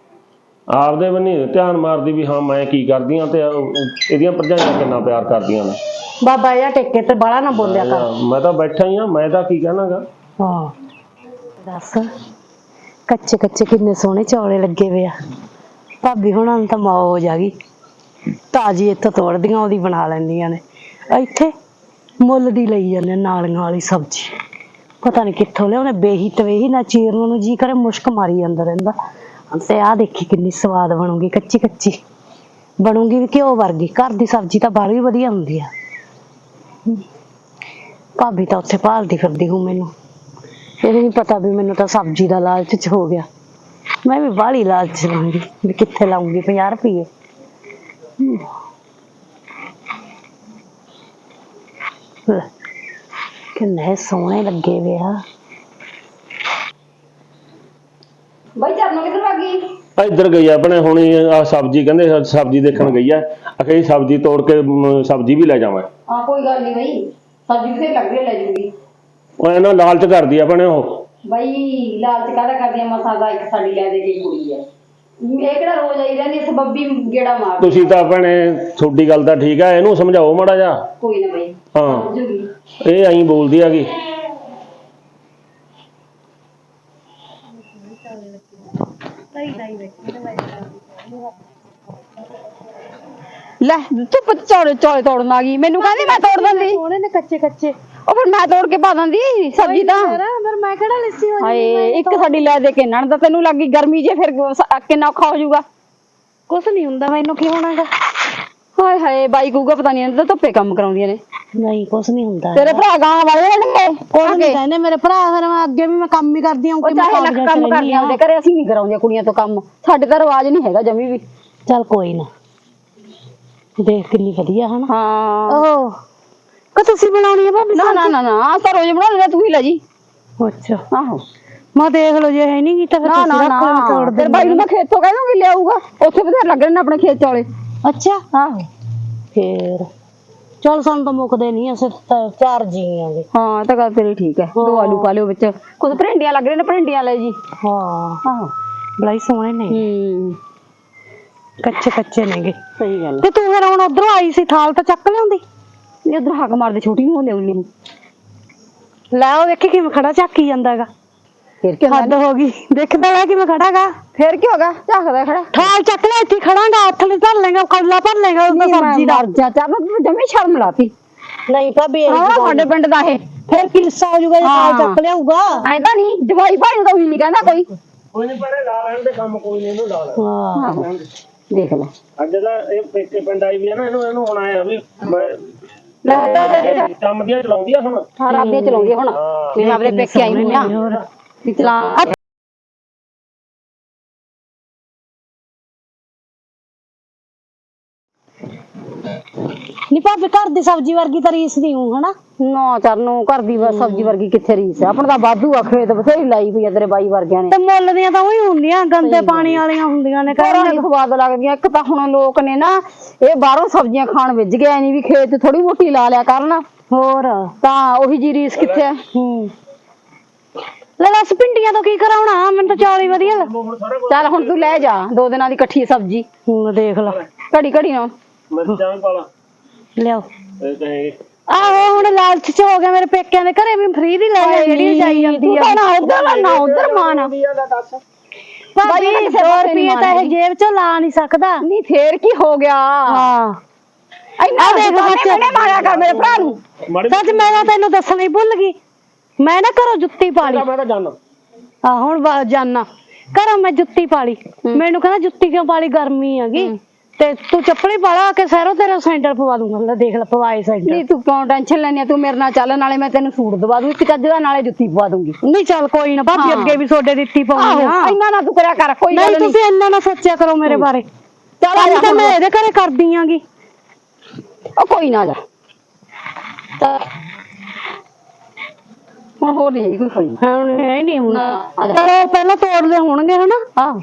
Speaker 2: ਆਪਦੇ ਬੰਨੀ ਧਿਆਨ ਮਾਰਦੀ ਵੀ ਹਾਂ ਮੈਂ ਕੀ ਕਰਦੀ ਆ ਤੇ ਉਹ- ਇਹਦੀਆਂ ਭਰਜਾਈਆਂ ਕਿੰਨਾ ਪਿਆਰ ਕਰਦੀਆਂ ਨੇ
Speaker 1: ਬਾਬਾ ਇਹ ਟੇਕੇ ਤੇ ਬੜਾ ਨਾ ਬੋਲਿਆ ਕਰ
Speaker 2: ਮੈਂ ਤਾਂ ਬੈਠਾ ਹੀ ਆ ਮੈਂ ਤਾਂ ਕੀ ਕਹਿਣਾਗਾ
Speaker 1: ਹਾਂ ਦੱਸ ਕੱਚੇ ਕੱਚੇ ਕਿੰਨੇ ਸੋਹਣੇ ਚੌਲੇ ਲੱਗੇ ਵੇ ਆ ਭਾਬੀ ਹੁਣਾਂ ਨੂੰ ਤਾਂ ਮੌਜ ਆ ਗਈ ਤਾਜੀ ਇੱਥੋਂ ਤੋੜਦੀਆਂ ਉਹਦੀ ਬਣਾ ਲੈਂਦੀਆਂ ਨੇ ਇੱਥੇ ਮੁੱਲ ਦੀ ਲਈ ਜਾਂਦੇ ਨਾਲੀਆਂ ਵਾਲੀ ਸਬਜ਼ੀ ਪਤਾ ਨਹੀਂ ਕਿੱਥੋਂ ਲਿਆਉਣੇ ਬੇਹੀ ਤਵੇਹੀ ਨਾ ਚੀਰਨ ਨੂੰ ਜੀ ਕਰੇ ਮੁਸ਼ਕ ਮਾਰੀ ਜਾਂਦਾ ਰਹਿੰਦਾ ਤੇ ਆਹ ਦੇਖੀ ਕਿੰਨੀ ਸਵਾਦ ਬਣੂਗੀ ਕੱਚੀ ਕੱਚੀ ਬਣੂਗੀ ਵੀ ਘਿਓ ਵਰਗੀ ਘਰ ਦੀ ਸਬਜ਼ੀ ਤਾਂ ਬਾਹਲੀ ਵਧੀਆ ਹੁੰਦੀ ਆ ਭਾਬੀ ਤਾਂ ਉੱਥੇ ਭਾਲਦੀ ਫਿਰਦੀ ਹੂੰ ਮੈਨੂੰ ਇਹ ਨਹੀਂ ਪਤਾ ਵੀ ਮੈਨੂੰ ਤਾਂ ਸਬਜ਼ੀ ਦਾ ਲਾਲਚ ਚ ਹੋ ਗਿਆ ਮੈਂ ਵੀ ਬਾਹਲੀ ਲਾਲਚ ਲਾਉਂਗੀ ਵੀ ਕਿੱਥੇ ਲਾਉਂਗੀ ਪੰਜਾਹ ਰੁਪਏ ਕਿੰਨੇ ਸੋਹਣੇ ਲੱਗੇ ਵੇ ਆ
Speaker 3: ਬਾਈ ਚਰਨੋਂ ਕਿੱਧਰ ਭੱਗ ਗਈ
Speaker 2: ਆ ਇੱਧਰ ਗਈ ਆ ਆਪਣੇ ਹੁਣੀ ਆ ਸਬਜ਼ੀ ਕਹਿੰਦੇ ਸਬਜ਼ੀ ਦੇਖਣ ਗਈ ਆ ਅਖੇ ਸਬਜ਼ੀ ਤੋੜ ਕੇ ਮ, ਸਬਜ਼ੀ ਵੀ ਲੈ ਜਾਵਾਂ
Speaker 3: ਹਾਂ ਕੋਈ ਗੱਲ ਨਹੀਂ ਬਾਈ ਸਬਜ਼ੀ ਕਿਤੇ ਲੱਗ ਰਹੀ ਲੈ ਜੂਗੀ
Speaker 2: ਉਹ ਇਹਨਾਂ ਲਾਲਚ ਕਰਦੀ ਆ ਆਪਣੇ ਉਹ
Speaker 3: ਬਾਈ ਲਾਲਚ ਕਾਹਦਾ ਕਰਦੀਆਂ ਮਸਾਂ ਦਾ ਇੱਕ ਸਾਡੀ ਲੈ ਦੇ ਕੇ ਕੁੜੀ ਹੈ ਇਹ ਕਿਹੜਾ ਰੋਜ਼ ਆਈ ਰਹਿੰਦੀ ਸਬੱਬੀ ਗੇੜਾ ਮਾਰ
Speaker 2: ਤੁਸੀਂ ਤਾਂ ਭੈਣੇ ਤੁਹਾਡੀ ਗੱਲ ਤਾਂ ਠੀਕ ਆ ਇਹਨੂੰ ਸਮਝਾਓ ਮਾੜਾ ਜਾ
Speaker 3: ਕੋਈ ਨਾ ਬਾਈ
Speaker 2: ਹਾਂ
Speaker 3: ਸਮਝੂਗੀ
Speaker 2: ਇਹ ਐਂ ਬੋਲਦੀ ਹੈਗੀ
Speaker 3: ਲੈ ਤੂੰ ਚੌੜੇ ਚੌੜੇ ਤੋੜਨ ਆ ਗਈ ਮੈਨੂੰ ਕਹਿੰਦੀ ਮੈਂ ਤੋੜ ਦਿੰਦੀ
Speaker 1: ਸੋਹਣੇ ਨੇ ਕੱਚੇ ਕੱਚੇ
Speaker 3: ਉਹ ਫਿਰ ਮੈਂ ਤੋੜ ਕੇ ਪਾ ਦਿੰਦੀ ਸਬਜ਼ੀ ਤਾਂ
Speaker 1: ਫਿਰ ਮੈਂ ਕਿਹੜਾ ਲਿੱਸੀ ਹੋ
Speaker 3: ਹਾਏ ਇੱਕ ਸਾਡੀ ਲੈ ਦੇ ਕੇ ਨਣ ਤਾਂ ਤੈਨੂੰ ਲੱਗੀ ਗਰਮੀ ਜੇ ਫਿਰ ਸ- ਕਿੰਨਾ ਔਖਾ ਹੋ ਜਾਊਗਾ
Speaker 1: ਕੁਛ ਨਹੀਂ ਹੁੰਦਾ ਮੈਨੂੰ ਕੀ ਹੋਣਾਗਾ
Speaker 3: ਹਾਏ ਹਾਏ ਬਾਈ ਕੂਗਾ ਪਤਾ ਨਹੀਂ ਇਹਨਾਂ ਧੁੱਪੇ ਕੰਮ ਕਰਾਉਂਦੀਆਂ ਨੇ
Speaker 1: ਨਹੀਂ ਕੁਛ ਨਹੀਂ ਹੁੰਦਾ
Speaker 3: ਤੇਰੇ ਭਰਾ ਗਾਂ ਵਾਲੇ ਨੇ
Speaker 1: ਕੁਛ ਨਹੀਂ ਕਹਿੰਦੇ ਮੇਰੇ ਭਰਾ। ਫਿਰ ਮੈਂ ਅੱਗੇ ਵੀ ਮੈਂ ਕੰਮ ਹੀ ਕਰਦੀ ਹਾਂ
Speaker 3: ਉਹ ਚਾਹੇ ਲੱਖ ਕੰਮ ਕਰਦੀਆਂ ਉਹਦੇ ਘਰੇ, ਅਸੀਂ ਨਹੀਂ ਕਰਾਉਂਦੀਆਂ ਕੁੜੀਆਂ ਤੋਂ ਕੰਮ। ਸਾਡੇ ਤਾਂ ਰਿਵਾਜ ਨਹੀਂ ਹੈਗਾ ਜਮੀ ਵੀ।
Speaker 1: ਚੱਲ ਕੋਈ ਨਾ, ਦੇਖ ਕਿੰਨੀ ਵਧੀਆ ਹਨਾ।
Speaker 3: ਹਾਂ
Speaker 1: ਓਹ ਕਿ ਤੁਸੀਂ ਬਣਾਉਣੀ ਹੈ ਭਾਬੀ?
Speaker 3: ਨਾ ਨਾ ਨਾ ਨਾ ਆਹ ਤਾਂ ਰੋਜ਼ ਬਣਾ ਲੈਂਦਾ, ਤੂੰ ਹੀ ਲੈ ਜੀ।
Speaker 1: ਅੱਛਾ
Speaker 3: ਆਹੋ
Speaker 1: ਮੈਂ ਦੇਖ ਲਓ ਜੇ ਹੈ ਨਹੀਂ ਕੀਤਾ ਫਿਰ
Speaker 3: ਨਾ
Speaker 1: ਤੁਸੀਂ
Speaker 3: ਨਾ
Speaker 1: ਰੱਖ ਲਓ, ਤੋੜ
Speaker 3: ਨਾ
Speaker 1: ਦੇ।
Speaker 3: ਤੇਰੇ ਬਾਈ ਨੂੰ ਮੈਂ ਖੇਤੋਂ ਕਹਿ ਦੂੰਗੀ ਲਿਆਊਗਾ, ਉੱਥੇ ਬਥੇਰੇ ਲੱਗ ਰਹੇ ਨੇ ਆਪਣੇ ਖੇਤ ਚੌਲੇ।
Speaker 1: ਅੱਛਾ
Speaker 3: ਆਹੋ
Speaker 1: ਫੇਰ ਚਲ ਸਾਨੂੰ ਤਾਂ ਮੁੱਕਦੇ ਨਹੀਂ, ਅਸੀਂ ਤਾਂ ਚਾਰ ਜੀ ਆਂਗੇ।
Speaker 3: ਹਾਂ ਤਾਂ ਗੱਲ ਤੇਰੀ ਠੀਕ ਹੈ। ਦੋ ਆਲੂ ਪਾ ਲਿਓ ਵਿੱਚ, ਕੁਝ ਭਰਿੰਡੀਆਂ ਲੱਗ ਰਹੇ ਨੇ, ਭਰਿੰਡੀਆਂ ਲੈ ਜੀ।
Speaker 1: ਹਾਂ
Speaker 3: ਆਹੋ
Speaker 1: ਬੜੀ ਸੋਹਣੇ ਨੇ,
Speaker 3: ਹੂੰ
Speaker 1: ਕੱਚੇ ਕੱਚੇ ਨੇਗੇ।
Speaker 3: ਸਹੀ ਗੱਲ।
Speaker 1: ਤੇ ਤੂੰ ਫਿਰ ਹੁਣ ਉਧਰੋਂ ਆਈ ਸੀ, ਥਾਲ ਤਾਂ ਚੱਕ ਲਿਆਉਂਦੀ।
Speaker 3: ਇਹ ਉਧਰ ਹੱਕ ਮਾਰਦੇ, ਛੋਟੀ ਨੂੰ ਲਿਆਉਣੀ।
Speaker 1: ਲੈ ਉਹ ਵੇਖੀ ਕਿਵੇਂ ਖੜਾ ਝਾਕੀ ਜਾਂਦਾ ਹੈਗਾ।
Speaker 3: ਫਿਰ ਕੀ
Speaker 1: ਹੱਦ ਹੋ ਗਈ, ਦੇਖਦਾ ਲੈ ਕਿਵੇਂ ਖੜਾਗਾ।
Speaker 3: ਫਿਰ ਕੀ ਹੋਗਾ, ਝਾਕਦਾ ਖੜਾ।
Speaker 1: ਥਾਲ ਚੱਕ ਲੈ, ਇੱਥੇ ਖੜਾਂਗਾ, ਹੱਥ ਨਾਲ ਧਰ ਲੇਗਾ, ਕੌਲਾ ਭਰ ਲੇਗਾ ਉਹਦਾ ਸਬਜ਼ੀ ਦਾ।
Speaker 3: ਜਾ ਚਾ ਮੈਂ ਜਮੀ ਸ਼ਰਮ ਲਾਤੀ।
Speaker 1: ਨਹੀਂ ਭਾਬੀ
Speaker 3: ਹਾਂ ਸਾਡੇ ਪਿੰਡ ਦਾ ਇਹ
Speaker 1: ਫਿਰ ਕਿਲਸਾ ਹੋ ਜਾਊਗਾ ਜੇ ਥਾਲ ਚੱਕ ਲਿਆਊਗਾ।
Speaker 3: ਐਂ ਤਾਂ ਨਹੀਂ ਜਵਾਈ ਭਾਈ ਦਾ ਵੀ ਨਹੀਂ ਕਹਿੰਦਾ ਕੋਈ।
Speaker 2: ਕੋਈ ਨਹੀਂ ਪੜੇ ਲਾ ਲੈਣ ਦੇ ਕੰਮ, ਕੋਈ ਨਹੀਂ ਇਹਨੂੰ ਲਾ ਲੈਣ।
Speaker 1: ਹਾਂ
Speaker 3: ਆਹੋ ਦੇਖ ਲੈ
Speaker 2: ਅੱਜ ਦਾ ਇਹ ਪੇਕੇ ਪਿੰਡ ਆਈ ਵੀ ਹੈ ਨਾ, ਇਹਨੂੰ ਇਹਨੂੰ ਹੁਣ ਆਇਆ ਵੀ ਮੈਂ-
Speaker 3: ਲੈ
Speaker 2: ਕੰਮ ਦੀਆਂ ਚਲਾਉਂਦੀ ਆ ਹੁਣ।
Speaker 3: ਹਾਂ ਰਾਬੀਆਂ ਚਲਾਉਂਦੀ ਹੁਣ, ਮੈਂ ਆਪਣੇ ਪੇਕੇ ਆਈ ਹੋਈ ਆ ਵੀ ਚਲਾ।
Speaker 1: ਨੀ ਭਾਬੀ ਘਰ ਦੀ ਸਬਜ਼ੀ ਵਰਗੀ ਤਾਂ ਰੀਸ ਨਹੀਂ ਹੂੰ ਹਨਾ।
Speaker 3: ਨਾ ਚਰਨੋਂ ਘਰ ਦੀ ਸਬਜ਼ੀ ਵਰਗੀ ਕਿੱਥੇ ਰੀਸ ਆ। ਆਪਣਾ ਤਾਂ ਵਾਧੂ ਆ, ਖੇਤ ਬਥੇਰੀ ਲਾਈ ਪਈ ਆ ਤੇਰੇ ਬਾਈ ਵਰਗਿਆਂ ਨੇ।
Speaker 1: ਤੇ ਮੁੱਲ ਦੀਆਂ ਤਾਂ ਉਹੀ ਹੁੰਦੀਆਂ, ਗੰਦੇ ਪਾਣੀ ਵਾਲੀਆਂ ਹੁੰਦੀਆਂ ਨੇ।
Speaker 3: ਘਰਾਂ ਦੀ ਸਵਾਦ ਲੱਗਦੀਆਂ। ਇੱਕ ਤਾਂ ਹੁਣ ਲੋਕ ਨੇ ਨਾ ਇਹ ਬਾਹਰੋਂ ਸਬਜ਼ੀਆਂ ਖਾਣ ਵਿੱਜ ਗਏ, ਨਹੀਂ ਵੀ ਖੇਤ ਥੋੜੀ ਮੋਟੀ ਲਾ ਲਿਆ ਕਰਨ।
Speaker 1: ਹੋਰ
Speaker 3: ਤਾਂ ਉਹੀ ਜੀ ਰੀਸ ਕਿੱਥੇ ਆ।
Speaker 1: ਹੂੰ ਲੈ ਦੱਸ ਪਿੰਡੀਆਂ ਤੋਂ ਕੀ ਕਰਾਉਣਾ, ਮੈਨੂੰ ਤਾਂ ਚਾਲ ਹੀ ਵਧੀਆ ਲੱਗ।
Speaker 3: ਚੱਲ ਹੁਣ ਤੂੰ ਲੈ ਜਾ ਦੋ ਦਿਨਾਂ ਦੀ ਇਕੱਠੀ ਸਬਜ਼ੀ,
Speaker 1: ਹੂੰ ਦੇਖ ਲਾ
Speaker 3: ਘੜੀ ਘੜੀ ਨਾਲ।
Speaker 2: ਮਿਰਚਾਂ ਵੀ ਪਾ ਲਾ
Speaker 1: ਲਿਆਓ।
Speaker 2: ਇਹ ਕਹੇ
Speaker 1: ਆਹੋ ਹੁਣ ਲਾਲਚ ਚ ਹੋ ਗਿਆ, ਮੇਰੇ ਪੇਕਿਆਂ ਦੇ ਘਰੇ ਵੀ ਫ੍ਰੀ ਦੀ ਲੈ ਜਾ ਜਿਹੜੀ ਜਾਈ ਜਾਂਦੀ ਆ।
Speaker 3: ਨਾ ਉਧਰ ਨਾ ਉਧਰ ਮਾਨ
Speaker 1: ਭਾਬੀ ਦੋ ਰੁਪਏ ਤਾਂ ਇਹ ਜੇਬ ਚੋਂ ਲਾ ਨਹੀਂ ਸਕਦਾ।
Speaker 3: ਨਹੀਂ ਫੇਰ ਕੀ ਹੋ ਗਿਆ।
Speaker 1: ਹਾਂ
Speaker 3: ਇੰਨਾ ਦੇਖ ਬੱਚੇ ਨੇ ਮਾਰਿਆ ਕਰ ਮੇਰੇ ਭਰਾ ਨੂੰ।
Speaker 1: ਸੱਚ ਮੈਂ ਤਾਂ ਤੈਨੂੰ ਦੱਸਣਾ ਹੀ ਭੁੱਲ ਗਈ, ਮੈਂ ਨਾ ਘਰੋਂ ਜੁੱਤੀ ਪਾ ਲਈ।
Speaker 2: ਮੈਂ ਤਾਂ ਜਾਣਾ।
Speaker 1: ਆ ਹੁਣ ਜਾਨਾ ਘਰੋਂ ਮੈਂ ਜੁੱਤੀ ਪਾ ਲਈ। ਮੈਨੂੰ ਕਹਿੰਦਾ ਜੁੱਤੀ ਕਿਉਂ ਪਾ ਲਈ, ਗਰਮੀ ਹੈਗੀ ਤੇ ਤੂੰ ਚੱਪਲੀ ਪਾ ਲਾ ਕੇ ਸਹਿਰੋਂ ਤੇਰਾ ਸੈਂਟਰ ਪਵਾ ਦੂੰਗਾ। ਲੈ ਦੇਖ ਲੈ ਪਵਾਏ ਸੈਂਟਰ।
Speaker 3: ਨਹੀਂ ਤੂੰ ਕਿਉਂ ਟੈਨਸ਼ਨ ਲੈਣੀ ਆ, ਤੂੰ ਮੇਰੇ ਨਾਲ ਚੱਲ, ਨਾਲੇ ਮੈਂ ਤੈਨੂੰ ਸੂਟ ਦਵਾ ਦੂੰ ਇੱਕ ਚੱਜ ਦਾ, ਨਾਲੇ ਜੁੱਤੀ ਪਵਾ ਦੂੰਗੀ।
Speaker 1: ਨਹੀਂ ਚੱਲ ਕੋਈ ਨਾ ਭਾਬੀ, ਅੱਗੇ ਵੀ ਤੁਹਾਡੇ ਦਿੱਤੀ ਪਾਉਣੀ ਆ।
Speaker 3: ਇੰਨਾ ਨਾ ਤੂੰ ਕਰਿਆ ਕਰ, ਕੋਈ
Speaker 1: ਨਹੀਂ
Speaker 3: ਗੱਲ ਨਹੀਂ।
Speaker 1: ਤੁਸੀਂ ਇੰਨਾ ਨਾ ਸੋਚਿਆ ਕਰੋ ਮੇਰੇ ਬਾਰੇ।
Speaker 3: ਚੱਲ
Speaker 1: ਤਾਂ ਮੈਂ ਇਹਦੇ ਘਰੇ ਕਰਦੀ ਆਂਗੀ।
Speaker 3: ਉਹ ਕੋਈ ਨਾ ਜਾ ਤਾਂ ਹੁਣ ਹੋਰ ਨਹੀਂ ਕੋਈ ਕੋਈ
Speaker 1: ਹੁਣ ਇਹ ਨਹੀਂ ਹੁਣ
Speaker 3: ਆ ਜਾ।
Speaker 1: ਚਲੋ ਪਹਿਲਾਂ ਤੋੜਦੇ ਹੋਣਗੇ ਹਨਾ।
Speaker 3: ਆਹ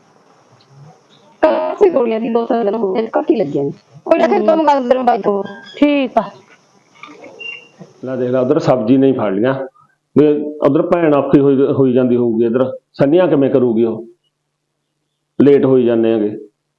Speaker 3: ਕਾਸੀ ਗੋਲੀਆਂ ਦੀ ਦੋ ਤਿੰਨ ਦਿਨ ਹੋ ਗਏ, ਘੱਟ ਹੀ ਲੱਗੀਆਂ ਨੇ। ਕੋਈ ਨਾ ਫਿਰ ਕੰਮ ਕਰ ਤੇਰੇ ਬਾਈ ਤੋਂ।
Speaker 1: ਠੀਕ ਆ।
Speaker 2: ਲੈ ਦੇਖ ਲੈ ਉਧਰ ਸਬਜ਼ੀ ਨਹੀਂ ਫੜ ਲੀਆਂ ਵੀ ਉਧਰ ਭੈਣ ਔਖੀ ਹੋਈ ਹੋਈ ਜਾਂਦੀ ਹੋਊਗੀ, ਇਧਰ ਸੰਨੀਆਂ ਕਿਵੇਂ ਕਰੂਗੀ, ਉਹ ਲੇਟ ਹੋਈ ਜਾਂਦੇ ਹੈਗੇ।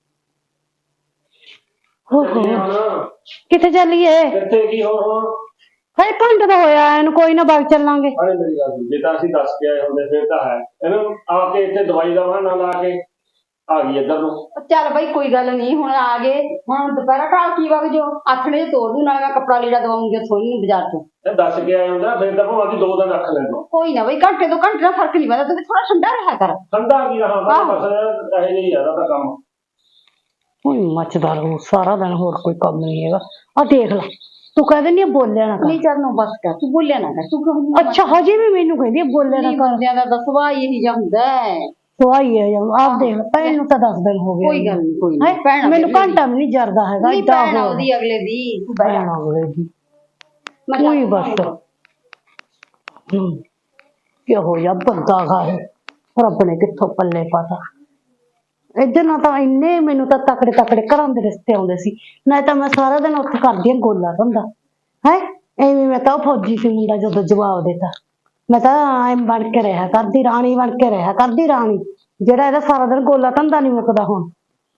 Speaker 1: ਹੋ ਹੋ ਕਿੱਥੇ ਚੱਲੀਏ?
Speaker 2: ਕਿੱਥੇ ਕੀ ਹੋਰ ਹੁਣ
Speaker 1: ਹਾਏ ਘੰਟਾ ਤਾਂ ਹੋਇਆ ਇਹਨੂੰ, ਕੋਈ ਨਾ ਬਾਗ ਚੱਲਾਂਗੇ।
Speaker 2: ਹਾਲੇ ਮੇਰੀ ਗੱਲ ਸੁਣ, ਜੇ ਤਾਂ ਅਸੀਂ ਦੱਸ ਕੇ ਆਏ ਹੁੰਦੇ ਫਿਰ ਤਾਂ ਹੈ, ਇਹਨੂੰ ਆ ਕੇ ਇੱਥੇ ਦਵਾਈ ਦਾ ਬਹਾਨਾ ਲਾ ਕੇ ਆ ਗਈ ਇੱਧਰ ਨੂੰ।
Speaker 3: ਚੱਲ ਬਾਈ ਕੋਈ ਗੱਲ ਨਹੀਂ, ਹੁਣ ਆ ਗਏ, ਹੁਣ ਦੁਪਹਿਰਾ ਢਾਲ ਕੀ ਵਗ ਜੋ ਆਥਣੇ ਚ ਤੋੜ ਦੂ, ਨਾਲੇ ਮੈਂ ਕੱਪੜਾ ਲੀੜਾ ਦਵਾਉਂਗੀ ਉੱਥੋਂ ਹੀ ਬਾਜ਼ਾਰ ਤੋਂ।
Speaker 2: ਇਹ ਦੱਸ ਕੇ ਆਏ ਹੁੰਦਾ ਫਿਰ ਤਾਂ ਭਾਵੇਂ ਅਸੀਂ ਦੋ ਦਿਨ ਰੱਖ ਲੈਂਦੇ।
Speaker 3: ਕੋਈ ਨਾ ਬਾਈ, ਘੰਟੇ ਤੋਂ ਘੰਟੇ ਦਾ ਫਰਕ ਨਹੀਂ ਪੈਂਦਾ, ਤੂੰ ਵੀ ਥੋੜਾ ਠੰਡਾ ਰਿਹਾ ਕਰ।
Speaker 2: ਠੰਡਾ ਕੀ ਰਹਾ ਬਸ ਇਹ ਨਹੀਂ ਜ਼ਿਆਦਾ ਤਾਂ ਕੰਮ।
Speaker 1: ਕੋਈ ਮੱਚਦਾ ਰਹੂ ਸਾਰਾ ਦਿਨ, ਹੋਰ ਕੋਈ ਕੰਮ ਨਹੀਂ ਹੈਗਾ। ਆ ਦੇਖ ਲੈ ਤੂੰ ਕਹਿ ਦਿੰਦੀ ਆ ਬੋਲਿਆ ਨਾ ਕਰ।
Speaker 3: ਨਹੀਂ ਚਰਨੋਂ ਬਸ ਕਰ, ਤੂੰ ਬੋਲਿਆ ਨਾ ਕਰ ਤੂੰ ਕਿਉਂ।
Speaker 1: ਅੱਛਾ ਹਜੇ ਵੀ ਮੈਨੂੰ ਕਹਿੰਦੀ ਆ ਬੋਲਿਆ ਨਾ ਕਰ।
Speaker 3: ਬੰਦਿਆਂ ਦਾ ਤਾਂ ਸੁਭਾਅ ਹੀ ਇਹੀ ਜਿਹਾ ਹੁੰਦਾ ਹੈ।
Speaker 1: ਸਵਾਈ ਹੈ ਆਪ ਦੇਖ ਲੈ, ਭੈਣ ਨੂੰ ਤਾਂ ਦਸ ਦਿਨ ਹੋ ਗਏ।
Speaker 3: ਕੋਈ ਗੱਲ ਨਹੀਂ ਕੋਈ
Speaker 1: ਹੈਂ?
Speaker 3: ਨਹੀਂ,
Speaker 1: ਮੈਨੂੰ ਘੰਟਾ ਵੀ ਨਹੀਂ ਜਰਦਾ ਹੈਗਾ।
Speaker 3: ਨਹੀਂ
Speaker 1: ਏਦਾਂ
Speaker 3: ਭੈਣ
Speaker 1: ਹੋ
Speaker 3: ਉਹਦੀ ਅਗਲੇ ਦੀ ਤੂੰ ਬਹਿ ਜਾ।
Speaker 1: ਭੈਣ ਅਗਲੇ ਦੀ
Speaker 3: ਮੈਂ
Speaker 1: ਕੋਈ
Speaker 3: ਚੱਲ
Speaker 1: ਬਸ ਹੂੰ ਕਿਹੋ ਜਿਹਾ ਬੰਦਾ ਗਾ ਇਹ, ਰੱਬ ਨੇ ਕਿੱਥੋਂ ਪੱਲੇ ਪਾਤਾ। ਇੱਧਰ ਨਾ ਤਾਂ ਇੰਨੇ ਮੈਨੂੰ ਤਾਂ ਤਕੜੇ ਤਕੜੇ ਘਰਾਂ ਦੇ ਰਿਸ਼ਤੇ ਆਉਂਦੇ ਸੀ, ਨਾ ਤਾਂ ਮੈਂ ਸਾਰਾ ਦਿਨ ਉੱਥੇ ਕਰਦੀ ਆ ਗੋਲਾ ਧੰਦਾ ਹੈ। ਐਵੇਂ ਮੈਂ ਤਾਂ ਉਹ ਫੌਜੀ ਸੀ ਮੁੰਡਾ, ਜਦੋਂ ਜਵਾਬ ਦਿੱਤਾ ਮੈਂ ਤਾਂ ਐਂ ਬਣ ਕੇ ਰਿਹਾ ਕਰਦੀ, ਰਾਣੀ ਬਣ ਕੇ ਰਿਹਾ ਕਰਦੀ, ਰਾਣੀ ਜਿਹੜਾ ਇਹਦਾ ਸਾਰਾ ਦਿਨ ਗੋਲਾ ਧੰਦਾ ਨਹੀਂ ਮੁੱਕਦਾ ਹੁਣ।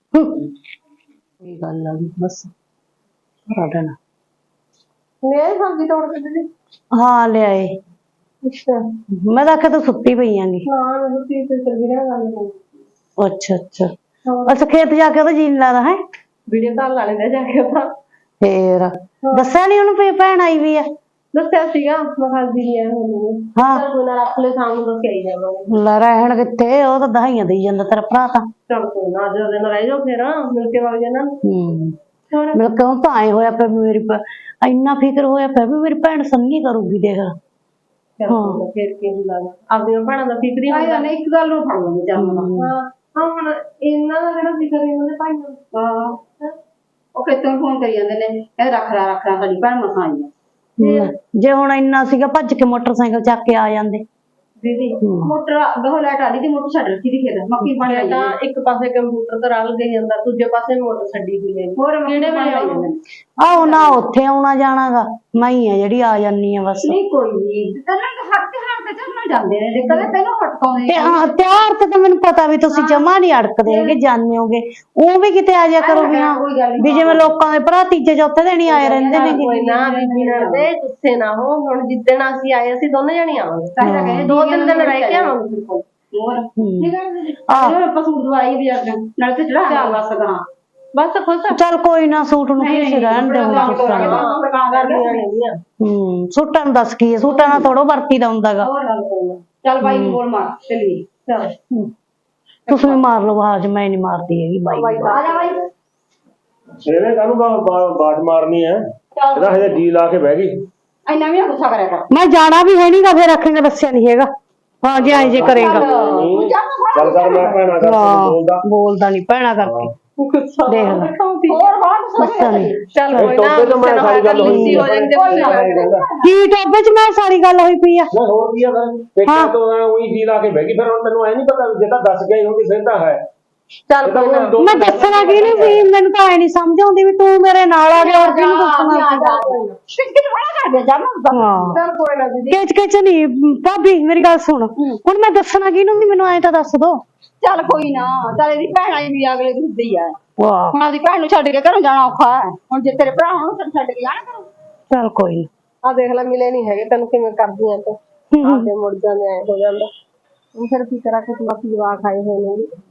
Speaker 1: ਇਹ ਗੱਲ ਆ ਗਈ ਬਸ ਸਾਰਾ ਦਿਨ।
Speaker 3: ਮੇਰੇ ਸਬਜ਼ੀ ਤੋੜ ਕੇ ਦੇ।
Speaker 1: ਹਾਂ ਲਿਆਏ।
Speaker 3: ਅੱਛਾ
Speaker 1: ਮੈਂ ਤਾਂ ਆਖਿਆ ਤੂੰ ਸੁੱਤੀ ਪਈ ਆਂਗੀ।
Speaker 3: ਹਾਂ ਮੈਨੂੰ ਤੀ ਤੇ ਚੱਲ ਰਿਹਾ ਗੱਲ।
Speaker 1: ਅੱਛਾ ਅੱਛਾ ਅੱਛਾ ਖੇਤ ਜਾ ਕੇ ਉਹਦਾ ਜੀ ਨੀ ਲੱਗਦਾ ਹੈ।
Speaker 3: ਵੀਡੀਓ ਕਾਲ ਲਾ ਲੈਂਦੇ ਜਾ ਕੇ ਤਾਂ।
Speaker 1: ਫੇਰ ਦੱਸਿਆ ਨੀ ਉਹਨੂੰ ਵੀ ਭੈਣ ਆਈ ਵੀ ਆ?
Speaker 3: ਦੱਸਿਆ ਸੀਗਾ ਮੈਂ ਖਾਦੀ ਨਹੀਂ ਆਇਆ ਮੈਨੂੰ।
Speaker 1: ਹਾਂ
Speaker 3: ਕੋਈ ਨਾ ਰੱਖ ਲੈ, ਸ਼ਾਮ ਨੂੰ ਦੱਸ ਕੇ ਆਈ ਜਾਵਾਂਗੇ।
Speaker 1: ਲੈ ਰਹਿਣ ਕਿੱਥੇ, ਉਹ ਤਾਂ ਦਹਾਈਆਂ ਦੇਈ ਜਾਂਦਾ ਤੇਰਾ ਭਰਾ ਤਾਂ।
Speaker 3: ਚੱਲ ਕੋਈ ਨਾ, ਅੱਜ ਦਿਨ ਰਹਿ ਜਾਓ ਫਿਰ ਮਿਲ ਕੇ ਵਗ ਜਾਣਾ।
Speaker 1: ਹੂੰ ਮਿਲ ਕੇ ਉਹ ਤਾਂ ਆਏ ਹੋਇਆ ਪਿਆ ਵੀ ਮੇਰੀ ਭ- ਇੰਨਾ ਫਿਕਰ ਹੋਇਆ ਪਿਆ ਵੀ ਮੇਰੀ ਭੈਣ ਸੰਨੀ ਕਰੂਗੀ ਦੇਖ ਹਾਂ
Speaker 4: ਫਿਰ ਕੀ ਹੁੰਦਾ ਵਾ ਆਪਣੀਆਂ ਭੈਣਾਂ ਦਾ ਫਿਕਰ ਹੀ ਹੁੰਦਾ
Speaker 3: ਇੱਕ ਗੱਲ ਨੂੰ ਫੜ ਲੈਂਦੇ ਚੱਲ
Speaker 4: ਹਾਂ ਹਾਂ ਹੁਣ ਇਹਨਾਂ ਦਾ ਜਿਹੜਾ ਫਿਕਰ ਹੈ ਉਹਦੇ ਭਾਈ ਨੂੰ
Speaker 3: ਹਾਂ ਉਹ ਕਿਤੋਂ ਫੋਨ ਕਰੀ ਜਾਂਦੇ ਨੇ ਇਹ ਰੱਖ ਰਾ ਰੱਖ ਰਾ ਸਾਡੀ ਭੈਣ ਮਸਾਂ ਆਈ ਆ
Speaker 1: ਹਮ, ਜੇ ਹੁਣ ਇੰਨਾ ਸੀਗਾ ਭੱਜ ਕੇ ਮੋਟਰਸਾਈਕਲ ਚੱਕ ਕੇ ਆ ਜਾਂਦੇ
Speaker 3: ਦੀਦੀ ਮੋਟਰ ਗਹੋ ਲੈਟ ਆ ਰਹੀ ਤੇ ਮੋਟਰ ਛੱਡ ਰੱਖੀ ਦੀ ਖੇਤ ਮੱਕੀ ਪਾਣੀ
Speaker 4: ਮੈਂ
Speaker 3: ਆਈ
Speaker 4: ਤਾਂ ਇੱਕ ਪਾਸੇ ਕੰਪਿਊਟਰ ਤੇ ਰਲ ਗਈ ਜਾਂਦਾ ਦੂਜੇ ਪਾਸੇ ਮੋਟਰ ਛੱਡੀ ਹੋਈ ਹੈ
Speaker 3: ਹੋਰ
Speaker 4: ਕਿਹੜੇ ਵੇਲੇ ਆਈ ਜਾਂਦੇ ਨੇ?
Speaker 1: ਆਹੋ ਨਾ ਉੱਥੇ ਆਉਣਾ ਜਾਣਾਗਾ ਮੈਂ ਹੀ ਆ ਜਿਹੜੀ ਆ ਜਾਨੀ ਆ ਬਸ
Speaker 3: ਨਹੀਂ ਕੋਈ ਨਹੀਂ ਤੈਨੂੰ ਤਾਂ ਹੱਥ ਤੇ ਹੱਥ ਤੇ ਚੱਲਣਾ ਜਾਂਦੇ ਨੇ ਜੇ ਕਦੇ ਤੈਨੂੰ ਹਟਕਾਉਂਦੇ
Speaker 1: ਤੇ ਹਾਂ ਤਿਆਰ ਤੇ ਤਾਂ ਮੈਨੂੰ ਪਤਾ ਵੀ ਤੁਸੀਂ ਜਮਾ ਨਹੀਂ ਅੜਕਦੇ ਹੈਗੇ ਜਾਣੇ ਹੋਗੇ ਉਹ ਵੀ ਕਿਤੇ ਆ ਜਾ ਕਰੋ ਵੀ ਹਾਂ ਵੀ ਜਿਵੇਂ ਲੋਕਾਂ ਦੇ ਭਰਾ ਤੀਜੇ ਚੌਥੇ ਦਿਨ ਹੀ ਆਏ ਰਹਿੰਦੇ
Speaker 4: ਕੋਈ
Speaker 1: ਨੇਗੇ
Speaker 4: ਨਾ ਬੀਬੀ ਨਾਲ ਦੇ ਗੁੱਸੇ ਨਾ ਹੋ ਹੁਣ ਜਿੱਦਣ ਅਸੀਂ ਆਏ ਅਸੀਂ ਦੋਨੇ ਜਣੇ ਆਵਾਂਗੇ
Speaker 3: ਤਾਂ ਤਾਂ ਕਹਿੰਦੇ
Speaker 4: ਦੋ ਤਿੰਨ ਦਿਨ ਰਹਿ ਕੇ ਆਵਾਂਗੇ ਫਿਰ ਕੋਲ
Speaker 3: ਹੋਰ
Speaker 1: ਹਮ।
Speaker 3: ਠੀਕ ਹੈ ਜੀ ਆਹ ਆਪਾਂ ਸੂਟ ਦਵਾਈ ਵੀ ਅੱਜ ਨਾਲ ਤੇ ਚੜਾ ਬਸ ਕਰਾਂ
Speaker 4: ਬਸ ਖੁਸ਼ ਆ
Speaker 1: ਚੱਲ ਕੋਈ ਨਾ ਸੂਟ ਨੂੰ ਕੀ ਰਹਿਣ ਦੇ ਹੁਣ ਸੂਟਾਂ ਨੂੰ
Speaker 4: ਕਰਨੀਆਂ ਨੇਗੀਆਂ
Speaker 1: ਹੂੰ ਸੂਟਾਂ ਨੂੰ ਦੱਸ ਕੀ ਹੈ ਸੂਟਾਂ ਨਾਲ ਥੋੜੋ ਵਰਤੀਦਾ ਹੁੰਦਾਗਾ
Speaker 3: ਹੋਰ ਗੱਲ ਕੋਈ ਨਾ ਚੱਲ ਬਾਈ ਨੂੰ ਬੋਲ ਮਾਰ ਚੱਲੀਏ ਚੱਲ
Speaker 1: ਤੁਸੀਂ ਵੀ ਮਾਰ ਲਓ ਆਵਾਜ਼ ਮੈਂ ਨਹੀਂ ਮਾਰਦੀ ਹੈਗੀ ਬਾਈ ਨੂੰ।
Speaker 3: ਆ ਜਾ ਬਾਈ
Speaker 2: ਇਹਨੇ ਕਾਹਨੂੰ ਬਾਜ ਮਾਰਨੀ ਹੈ ਇਹਦਾ ਹਜੇ ਜੀ ਲਾ ਕੇ ਬਹਿ ਗਈ
Speaker 3: ਇੰਨਾ ਵੀ ਨਾ ਗੁੱਸਾ ਕਰਿਆ ਕਰ
Speaker 1: ਮੈਂ ਜਾਣਾ ਵੀ ਹੈ ਨਹੀਂਗਾ ਫੇਰ ਰੱਖੇਂਗਾ ਦੱਸਿਆ ਨਹੀਂ ਹੈਗਾ ਹਾਂ ਜੇ ਐਂ ਜੇ ਕਰੇਗਾ
Speaker 2: ਚੱਲ ਕਰ ਮੈਂ ਭੈਣਾ ਕਰ
Speaker 1: ਹਾਂ
Speaker 2: ਬੋਲਦਾ
Speaker 1: ਬੋਲਦਾ ਨਹੀਂ ਭੈਣਾ ਕਰਕੇ ਦੇਖ ਲੈ
Speaker 3: ਹੋਰ ਬਾਤ
Speaker 1: ਗੁੱਸਾ ਨਹੀਂ
Speaker 4: ਚੱਲ
Speaker 2: ਇਹ
Speaker 4: ਕੋਈ ਨਾ
Speaker 2: ਟੋਪੇ ਤੋਂ ਮੈਂ ਸਾਰੀ ਗੱਲ ਹੋਈ
Speaker 4: ਗੁੱਸੇ ਹੋ ਜਾਂਦੇ ਹੁੰਦੇ
Speaker 1: ਕੀ ਟੋਪੇ ਚ ਮੈਂ ਸਾਰੀ ਗੱਲ ਹੋਈ ਪਈ ਆ
Speaker 2: ਮੈਂ ਹੋਰ ਕੀ ਆ ਫਿਰ ਪੇਟਾ ਤੋਂ ਉਹੀ ਜੀ ਲਾ ਕੇ ਬਹਿ ਗਈ ਫਿਰ ਹੁਣ ਤੈਨੂੰ ਐ ਨਹੀਂ ਪਤਾ ਜੇ ਤਾਂ ਦੱਸ ਗਈ ਹੁੰਦੀ ਫਿਰ ਤਾਂ ਹੈ
Speaker 4: ਚੱਲ ਕੋਈ ਨਾ
Speaker 1: ਮੈਂ ਦੱਸਣਾ ਕੀ ਨਹੀਂ ਵੀ ਮੈਨੂੰ ਤਾਂ ਐ ਨਹੀਂ ਸਮਝ ਆਉਂਦੀ ਵੀ ਤੂੰ ਮੇਰੇ ਨਾਲ ਆ ਗਿਆ ਔਰ ਕਿਹਨੂੰ ਦੱਸਣਾ
Speaker 3: ਕਿੱਥੇ ਬੜਾ ਕਰ ਗਿਆ ਜਾਨਾ
Speaker 1: ਹਾਂ
Speaker 4: ਚੱਲ ਕੋਈ ਨਾ ਦੀਦੀ
Speaker 1: ਕਿਚ ਕਿਚ ਨਹੀਂ ਭਾਬੀ ਮੇਰੀ ਗੱਲ ਸੁਣ ਹੁਣ ਮੈਂ ਦੱਸਣਾ ਕਿਹਨੂੰ ਵੀ ਮੈਨੂੰ ਐ ਤਾਂ ਦੱਸ ਦੋ
Speaker 3: ਚੱਲ ਕੋਈ ਨਾ ਚੱਲ ਇਹਦੀ ਭੈਣ ਆਈ ਵੀ ਅਗਲੇ ਦਿਨ ਦੀ ਆ
Speaker 1: ਵਾਹ
Speaker 3: ਹੁਣ ਆਪਦੀ ਭੈਣ ਨੂੰ ਛੱਡ ਕੇ ਘਰੋਂ ਜਾਣਾ ਔਖਾ ਹੈ ਹੁਣ ਜੇ ਤੇਰੇ ਭਰਾ ਹੋਣ ਤੈਨੂੰ ਛੱਡ ਕੇ ਜਾਣਾ ਕਰੋ
Speaker 1: ਚੱਲ ਕੋਈ ਨੀ
Speaker 4: ਆ ਦੇਖ ਲੈ ਮਿਲੇ ਨਹੀਂ ਹੈਗੇ ਤੈਨੂੰ ਕਿਵੇਂ ਕਰਦੀਆਂ ਤੂੰ ਆ ਕੇ ਮੁੜ ਜਾਂਦੇ ਐ ਹੋ ਜਾਂਦਾ ਹੁਣ ਫਿਰ ਕੀ ਕਰਾਂ ਕਿ ਬਾਕੀ ਜਵਾਕ ਆਏ ਹੋਏ ਨੇ